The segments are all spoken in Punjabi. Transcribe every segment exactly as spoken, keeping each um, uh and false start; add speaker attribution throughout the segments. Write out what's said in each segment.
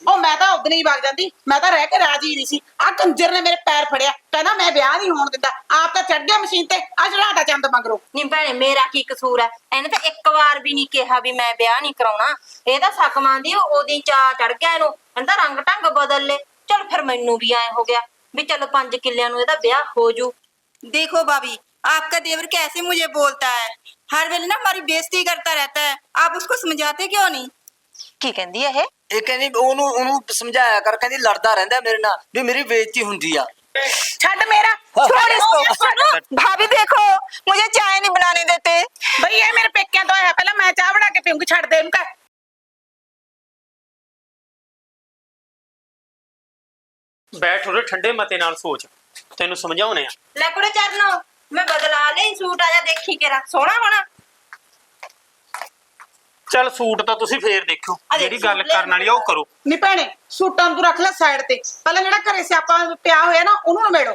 Speaker 1: ਉਹ ਮੈਂ ਤਾਂ ਉਦਣ ਹੀ ਵਗ ਜਾਂਦੀ, ਮੈਂ ਤਾਂ ਰਹਿ ਕੇ ਰਾਜੀ ਨਹੀਂ ਸੀ। ਆ ਕੰਜਰ ਨੇ ਮੇਰੇ ਪੈਰ ਫੜਿਆ, ਕਹਿੰਦਾ ਮੈਂ ਵਿਆਹ ਨਹੀਂ ਹੋਣ ਦਿੰਦਾ। ਆਪ ਤਾਂ ਚੜ ਗਿਆ ਮਸ਼ੀਨ ਤੇ, ਆ ਚੜਾਤਾ ਚੰਦ ਮਗਰੋਂ।
Speaker 2: ਨੀ ਭੈਣੇ ਮੇਰਾ ਕੀ ਕਸੂਰ ਹੈ? ਇਹਨੇ ਤਾਂ ਇੱਕ ਵਾਰ ਵੀ ਨਹੀਂ ਕਿਹਾ ਵੀ ਮੈਂ ਵਿਆਹ ਨਹੀਂ ਕਰਾਉਣਾ। ਇਹ ਤਾਂ ਸੱਕ ਮੰਨਦੀ ਉਹਦੀ ਚਾਹ ਚੜ ਗਿਆ ਇਹਨੂੰ, ਕਹਿੰਦਾ ਰੰਗ ਢੰਗ ਬਦਲ ਲੈ। चल फिर मैनू भी आए हो गया भी चलो पांच किलियां नु ब्याह हो जू।
Speaker 3: देखो भाभी, आपका देवर कैसे मुझे बोलता है, हर वेले ना हमारी बेइज्जती करता रहता है, आप उसको समझाते क्यों नहीं?
Speaker 2: की कहंदी है
Speaker 4: ਇਹ ਕਹਿੰਦੀ ਉਹਨੂੰ ਉਹਨੂੰ समझाया कर, ਕਹਿੰਦੀ लड़दा रहंदा मेरे नाल भी मेरी बेइज्जती हुंदी आ।
Speaker 1: छड़ मेरा,
Speaker 3: छोड़ इसको। भाभी देखो मुझे चाय नहीं बनाने देते।
Speaker 1: भई ये मेरे पेकियां तो है, पहले मैं चाह बना के पीऊंगी, छड़ दे इनका।
Speaker 5: बैठ उरे ठंडे मते नाल सोच, तेनू समझाउने आ।
Speaker 2: ले कुड़े चरनो मैं बदला ले सूट आजा देखी के रख सोहना होना।
Speaker 5: चल सूट तो तुसी फेर देखो, जेडी गल करन वाली ओ करो।
Speaker 1: नी भैणे सूटां तू रख ले साइड ते, पहले जेड़ा घरे सियापा पिया होया ना ओनू नमेड़ो।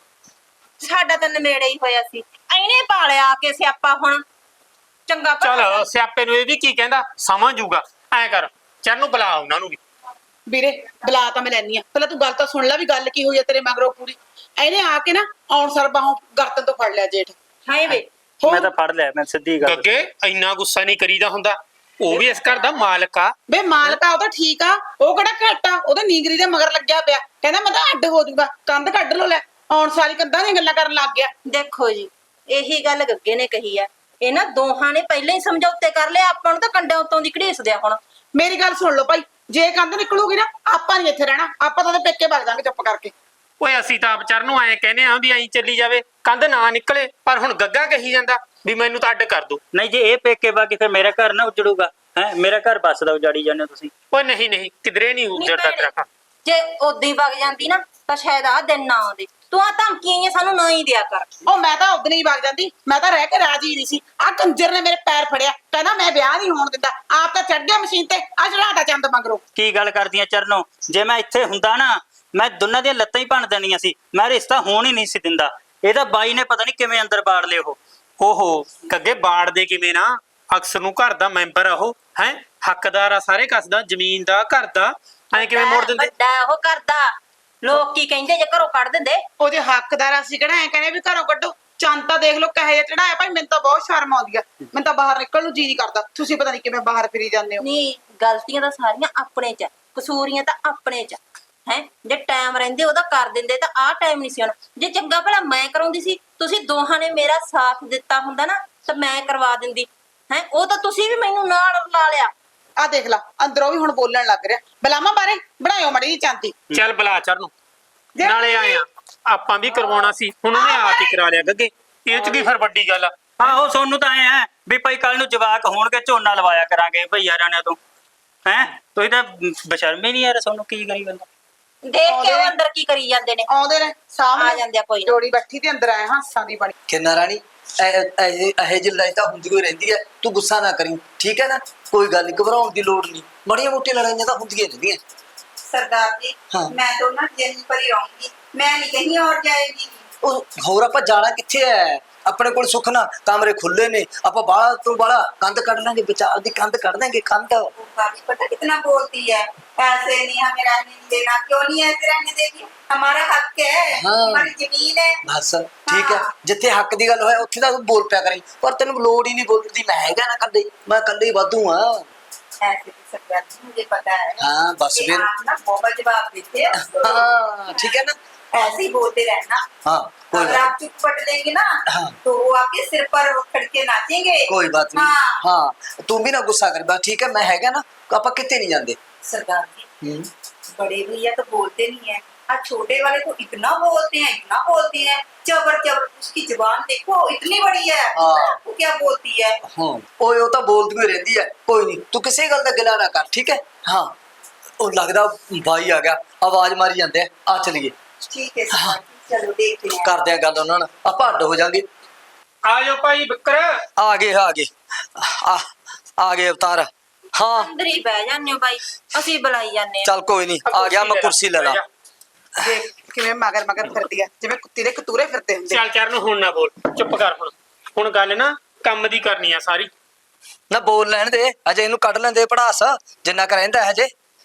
Speaker 2: साडा तां नमेड़े ही होया सी, ऐने पालिया के सियापा हुण चंगा
Speaker 5: चल सियापे नु ए भी की कहंदा समझ जूगा। ऐ कर चरनू बुला उन्हां नु भी।
Speaker 1: ਵੀਰੇ ਬੁਲਾ ਤਾਂ ਮੈਂ ਲੈਣੀ ਆ, ਪਹਿਲਾਂ ਤੂੰ ਗੱਲ ਤਾਂ ਸੁਣ ਲੈ ਵੀ ਗੱਲ ਕੀ ਹੋਈ ਆ ਤੇਰੇ ਮਗਰੋਂ ਪੂਰੀ। ਇਹਨੇ ਆ ਕੇ ਨਾ ਆਉਣ ਸਰ ਬਾਹੋਂ ਗਰਦਨ ਤੋਂ ਫੜ ਲਿਆ ਜੇਠ।
Speaker 2: ਹਾਏ ਵੇ
Speaker 6: ਮੈਂ ਤਾਂ ਫੜ ਲਿਆ, ਮੈਂ ਸਿੱਧੀ ਗੱਲ।
Speaker 5: ਅੱਗੇ ਇੰਨਾ ਗੁੱਸਾ ਨਹੀਂ ਕਰੀਦਾ ਹੁੰਦਾ, ਉਹ ਵੀ ਇਸ ਘਰ ਦਾ ਮਾਲਕ ਆ।
Speaker 1: ਬੇ ਮਾਲਕ ਆ ਉਹ ਤਾਂ ਠੀਕ ਆ, ਉਹ ਕਿਹੜਾ ਘੱਟ ਆ, ਉਹਦੇ ਨੀਂਗਰੀ ਦੇ ਮਗਰ ਲੱਗਿਆ ਪਿਆ, ਕਹਿੰਦਾ ਮੈਂ ਤਾਂ ਅੱਡ ਹੋ ਜਾਊਗਾ, ਕੰਧ ਕੱਢ ਲੋ। ਲੈ ਆਉਣ ਸਾਰੀ ਕੰਧਾਂ ਦੀਆਂ ਗੱਲਾਂ ਕਰਨ ਲੱਗ ਗਿਆ।
Speaker 2: देखो जी यही गल गग्गे ने कही है, इन्हां दोहां ने पहले ही समझौते कर लिया, आपां नूं तां कंडे उत्तों दी घड़ीस दिया। हुण
Speaker 1: ਮੇਰੀ ਗੱਲ ਸੁਣ ਲਓ ਭਾਈ, ਜੇ ਕੰਧ ਨਿਕਲੂਗੀ ਨਾ ਆਪਾਂ ਨਹੀਂ ਇੱਥੇ ਰਹਿਣਾ, ਆਪਾਂ ਤਾਂ ਉਹਦੇ ਪੇਕੇ ਵਗ ਜਾਾਂਗੇ ਚੁੱਪ ਕਰਕੇ।
Speaker 5: ਓਏ ਅਸੀਂ ਤਾਂ ਵਿਚਾਰ ਨੂੰ ਐਂ ਕਹਿੰਦੇ ਆਂ ਵੀ ਐਂ ਚੱਲੀ ਜਾਵੇ, ਕੰਧ ਨਾ ਨਿਕਲੇ। ਪਰ ਹੁਣ ਗੱਗਾ ਕਹੀ ਜਾਂਦਾ ਵੀ ਮੈਨੂੰ ਤਾਂ ਅੱਡ ਕਰ ਦੋ।
Speaker 6: ਨਹੀਂ ਜੇ ਇਹ ਪੇਕੇ ਬਾਕੀ ਫਿਰ ਮੇਰਾ ਘਰ ਨਾ ਉਜੜੂਗਾ ਹੈ, ਮੇਰਾ ਘਰ ਬਸਦਾ ਉਜਾੜੀ ਜਾਂਦੇ ਹੋ ਤੁਸੀਂ।
Speaker 5: ਓਏ ਨਹੀਂ ਨਹੀਂ ਕਿਧਰੇ ਨਹੀਂ ਉਜੜਦਾ ਤੇਰਾ ਘਰ।
Speaker 2: जे ओदी वग जांदी ना तां शायद आ दिन ना आउंदे। तू आ धमकियां ही सानू ना ही दिया कर।
Speaker 1: ਉਹ ਮੈਂ ਤਾਂ ਉਦਣ ਹੀ ਵਗ ਜਾਂਦੀ, ਮੈਂ ਤਾਂ ਰਹਿ ਕੇ ਰਾਜੀ ਨਹੀਂ ਸੀ। ਆ ਕੰਜਰ ਨੇ ਮੇਰੇ ਪੈਰ ਫੜਿਆ, ਕਹਿੰਦਾ ਮੈਂ ਵਿਆਹ ਨਹੀਂ ਹੋਣ ਦਿੰਦਾ। ਆਪ ਤਾਂ ਚੜ ਗਿਆ ਮਸ਼ੀਨ ਤੇ, ਆ ਚੜਾਤਾ ਚੰਦ ਮਗਰੋਂ।
Speaker 6: ਕੀ ਗੱਲ ਕਰਦੀਆਂ ਚਰਨੋ, ਜੇ ਮੈਂ ਇੱਥੇ ਹੁੰਦਾ ਨਾ ਮੈਂ ਦੋਨਾਂ ਦੀਆਂ ਲੱਤਾਂ ਹੀ ਭੰਨ ਦੇਣੀਆਂ ਸੀ, ਮੈਂ ਰਿਸ਼ਤਾ ਹੋਣ ਹੀ ਨਹੀਂ ਸੀ ਦਿੰਦਾ। ਇਹਦਾ ਬਾਈ ਨੇ ਪਤਾ ਨਹੀਂ ਕਿਵੇਂ ਅੰਦਰ ਬਾੜ ਲਏ। ਉਹ
Speaker 5: ਓਹੋ ਗੱਗੇ ਬਾੜ ਦੇ ਕਿਵੇਂ ਨਾ, ਅਕਸਰ ਨੂੰ ਘਰ ਦਾ ਮੈਂਬਰ ਆ ਉਹ, ਹੈ ਹੱਕਦਾਰ ਆ ਸਾਰੇ ਕਸ ਦਾ, ਜ਼ਮੀਨ ਦਾ, ਘਰ ਦਾ। ਐ ਕਿਵੇਂ ਮੋੜ ਦਿੰਦੇ?
Speaker 2: ਵੱਡਾ ਉਹ ਕਰਦਾ, ਲੋਕ ਕੀ ਕਹਿੰਦੇ ਜੇ ਘਰੋਂ ਕੱਢ ਦਿੰਦੇ।
Speaker 1: ਉਹ ਜੇ ਹੱਕਦਾਰ ਅਸੀਂ ਕਿਹੜਾ ਐ ਕਹਿੰਦੇ ਵੀ ਘਰੋਂ ਕੱਢੋ। ਚੰਦ ਤਾਂ ਦੇਖ ਲਓ ਕਹੇ ਜਿਹਾ ਚੜਾਇਆ ਭਾਈ, ਮੈਨੂੰ ਤਾਂ ਬਹੁਤ ਸ਼ਰਮ ਆਉਂਦੀ ਆ, ਮੈਨੂੰ ਤਾਂ ਬਾਹਰ ਨਿਕਲਣ ਨੂੰ ਜੀ ਨਹੀਂ ਕਰਦਾ। ਤੁਸੀਂ ਪਤਾ ਨਹੀਂ ਕਿਵੇਂ ਬਾਹਰ ਫਿਰੀ ਜਾਂਦੇ ਹੋ।
Speaker 2: ਨਹੀਂ ਗਲਤੀਆਂ ਤਾਂ ਸਾਰੀਆਂ ਆਪਣੇ ਚ, ਕਸੂਰੀਆਂ ਤਾਂ ਆਪਣੇ ਚ ਹੈ। ਜੇ ਟਾਈਮ ਰਹਿੰਦੇ ਉਹਦਾ ਕਰ ਦਿੰਦੇ ਤਾਂ ਆਹ ਟਾਈਮ ਨਹੀਂ ਸੀ ਆਉਣਾ। ਜੇ ਚੰਗਾ ਭਲਾ ਮੈਂ ਕਰਾਉਂਦੀ ਸੀ, ਤੁਸੀਂ ਦੋਹਾਂ ਨੇ ਮੇਰਾ ਸਾਥ ਦਿੱਤਾ ਹੁੰਦਾ ਨਾ ਤਾਂ ਮੈਂ ਕਰਵਾ ਦਿੰਦੀ ਹੈ। ਉਹ ਤਾਂ ਤੁਸੀਂ ਵੀ ਮੈਨੂੰ ਨਾਲ ਲਾ ਲਿਆ।
Speaker 1: ਆ ਦੇਖ ਲਾ ਅੰਦਰੋਂ ਵੀ ਹੁਣ ਬੋਲਣ ਲੱਗ ਰਿਹਾ। ਬਲਾਮਾ ਬਾਰੇ ਬਣਾਇਓ ਮੜੀ ਜੀ ਚਾਂਦੀ।
Speaker 5: ਚੱਲ ਬੁਲਾ ਚਰ ਨੂੰ, ਨਾਲੇ ਆਏ ਆ ਆਪਾਂ ਵੀ ਕਰਵਾਉਣਾ ਸੀ, ਹੁਣ ਉਹਨੇ ਆਪ ਹੀ ਕਰਾ ਲਿਆ ਗੱਗੇ। ਇਹ ਚ ਕੀ ਫਿਰ ਵੱਡੀ ਗੱਲ ਆ।
Speaker 6: ਆਹੋ ਸੋਨੂੰ ਤਾਂ ਐ ਵੀ ਭਾਈ ਕੱਲ ਨੂੰ ਜਵਾਕ ਹੋਣਗੇ ਝੋਨਾ ਲਵਾਇਆ ਕਰਾਂਗੇ ਭਈਆ ਰਾਣਿਆਂ ਤੋਂ ਹੈ। ਤੁਸੀਂ ਤਾਂ ਬਸ਼ਰਮੇ ਨਹੀਂ ਯਾਰ, ਸੋਨੂੰ ਕੀ ਕਰੀ ਬੰਦਾ।
Speaker 2: ਦੇਖ ਕੇ ਉਹ ਅੰਦਰ ਕੀ ਕਰੀ ਜਾਂਦੇ ਨੇ,
Speaker 1: ਆਉਂਦੇ ਨੇ ਸਾਹਮਣੇ
Speaker 2: ਆ ਜਾਂਦੇ ਆ। ਕੋਈ ਨਾ
Speaker 1: ਜੋੜੀ ਬੈਠੀ ਤੇ ਅੰਦਰ ਆਏ ਹਾਸਾਂ ਦੀ ਬਣੀ।
Speaker 4: ਕਿੰਨਾ ਰਾਣੀ ਇਹ ਜਿਹੀ ਲੜਾਈ ਤਾਂ ਹੁੰਦੀ ਹੋਈ ਰਹਿੰਦੀ ਹੈ, ਤੂੰ ਗੁੱਸਾ ਨਾ ਕਰੀ ਠੀਕ ਹੈ ਨਾ। ਕੋਈ ਗੱਲ ਨਹੀਂ, ਘਬਰਾਉਣ ਦੀ ਲੋੜ ਨਹੀਂ, ਮਾੜੀਆਂ ਮੋਟੀਆਂ ਲੜਾਈਆਂ ਤਾਂ ਹੁੰਦੀਆਂ ਰਹਿੰਦੀਆਂ।
Speaker 3: सरदार जी
Speaker 4: हाँ।
Speaker 3: मैं तो ना यहीं पर ही रहूंगी, मैं नहीं कहीं और जाएगी।
Speaker 4: ਉਹ ਹੋਰ ਆਪਾਂ ਜਾਣਾ ਕਿੱਥੇ ਹੈ? ਆਪਣੇ ਕੋਲ ਸੁੱਖ ਨਾ ਕਮਰੇ ਖੁੱਲੇ ਨੇ, ਆਪਾਂ ਬਾਹਲਾ ਤੋਂ ਬਾਹਲਾ ਕੰਧ ਕੱਢ ਲਾਂਗੇ, ਵਿਚਾਰ ਦੀ ਕੰਧ ਕੱਢ ਦਾਂਗੇ। ਕੰਧ
Speaker 3: वो भाभी पता कितना बोलती है, ऐसे नहीं हमें रहने नहीं देना। क्यों नहीं ऐसे रहने देगी, हमारा हक है।
Speaker 4: हाँ।
Speaker 3: हमारी जमीन है।
Speaker 4: ਬਸ ਠੀਕ ਹੈ, ਜਿੱਥੇ ਹੱਕ ਦੀ ਗੱਲ ਹੋਏ ਉੱਥੇ ਤਾਂ ਤੂੰ ਬੋਲ ਪਿਆ ਕਰੀ, ਪਰ ਤੈਨੂੰ ਲੋੜ ਹੀ ਨਹੀਂ ਬੋਲਣ ਦੀ। मैं ਹੈਗਾ ਨਾ ਕੱਲੇ, मैं ਕੱਲੇ ਹੀ ਵਾਧੂ ਆ।
Speaker 3: ऐसे भी सरदार जी मुझे पता है
Speaker 4: हाँ, बस
Speaker 3: कि
Speaker 4: फिर।
Speaker 3: आप ना बहुत जवाब देते हो।
Speaker 4: हाँ ठीक है ना।
Speaker 3: ऐसे ही बोलते रहना।
Speaker 4: हाँ कोई
Speaker 3: अगर
Speaker 4: बात
Speaker 3: आप चुप पट लेंगे ना
Speaker 4: हाँ।
Speaker 3: तो वो आपके सिर पर खड़के नाचेंगे।
Speaker 4: कोई बात नहीं।
Speaker 3: हाँ।
Speaker 4: हाँ तू भी ना गुस्सा कर बस ठीक है, मैं हैगा ना, आप कितने नहीं जाते।
Speaker 3: सरदार जी
Speaker 4: हम्म।
Speaker 3: बड़े भैया तो बोलते नहीं है, आज छोटे वाले तो इतना बोलते हैं, इतना बोलते हैं, चबर चबर। उसकी जुबान देखो इतनी बड़ी है।
Speaker 4: हाँ।
Speaker 3: वो क्या बोलती है।
Speaker 4: हाँ ओए वो तो बोलती हुई रहती है, कोई नहीं तू किसी गल का गिला ना कर ठीक है। हाँ वो लगता भाई आ गया, आवाज मारी जाते हैं, आ चलिए।
Speaker 3: ठीक है सरदार जी, चलो देखते हैं।
Speaker 4: करते हैं गल उन्होंने, आप अड्ड हो जाएंगे।
Speaker 5: ਆ ਜਾਓ ਭਾਈ ਬਿੱਕਰ।
Speaker 4: आ गए आ गए आ, आ गए अवतार। हाँ
Speaker 2: ਅੰਦਰ ਹੀ ਬਹਿ ਜਾਂਦੇ ਹੋ ਬਾਈ, ਅਸੀਂ ਬੁਲਾਈ ਜਾਂਦੇ ਆ।
Speaker 4: चल कोई नहीं, आ गया मैं कुर्सी ले ला।
Speaker 1: ਦੇਖ ਕਿਵੇਂ ਮਗਰ ਮਗਰ ਫਿਰਦੀ ਆ, ਜਿਵੇਂ ਕੁੱਤੀ ਦੇ ਕਤੂਰੇ ਫਿਰਦੇ ਹੁੰਦੇ।
Speaker 5: ਚੱਲ ਚਰ ਨੂੰ ਹੁਣ ਨਾ ਬੋਲ, ਚੁੱਪ ਕਰ। ਹੁਣ ਹੁਣ ਗੱਲ ਨਾ ਕੰਮ ਦੀ ਕਰਨੀ ਆ ਸਾਰੀ।
Speaker 4: ना बोल लैन दे, अजे इनू कढ़ लेंदे पढ़ास जिन्ना क रहिंदा है अजे।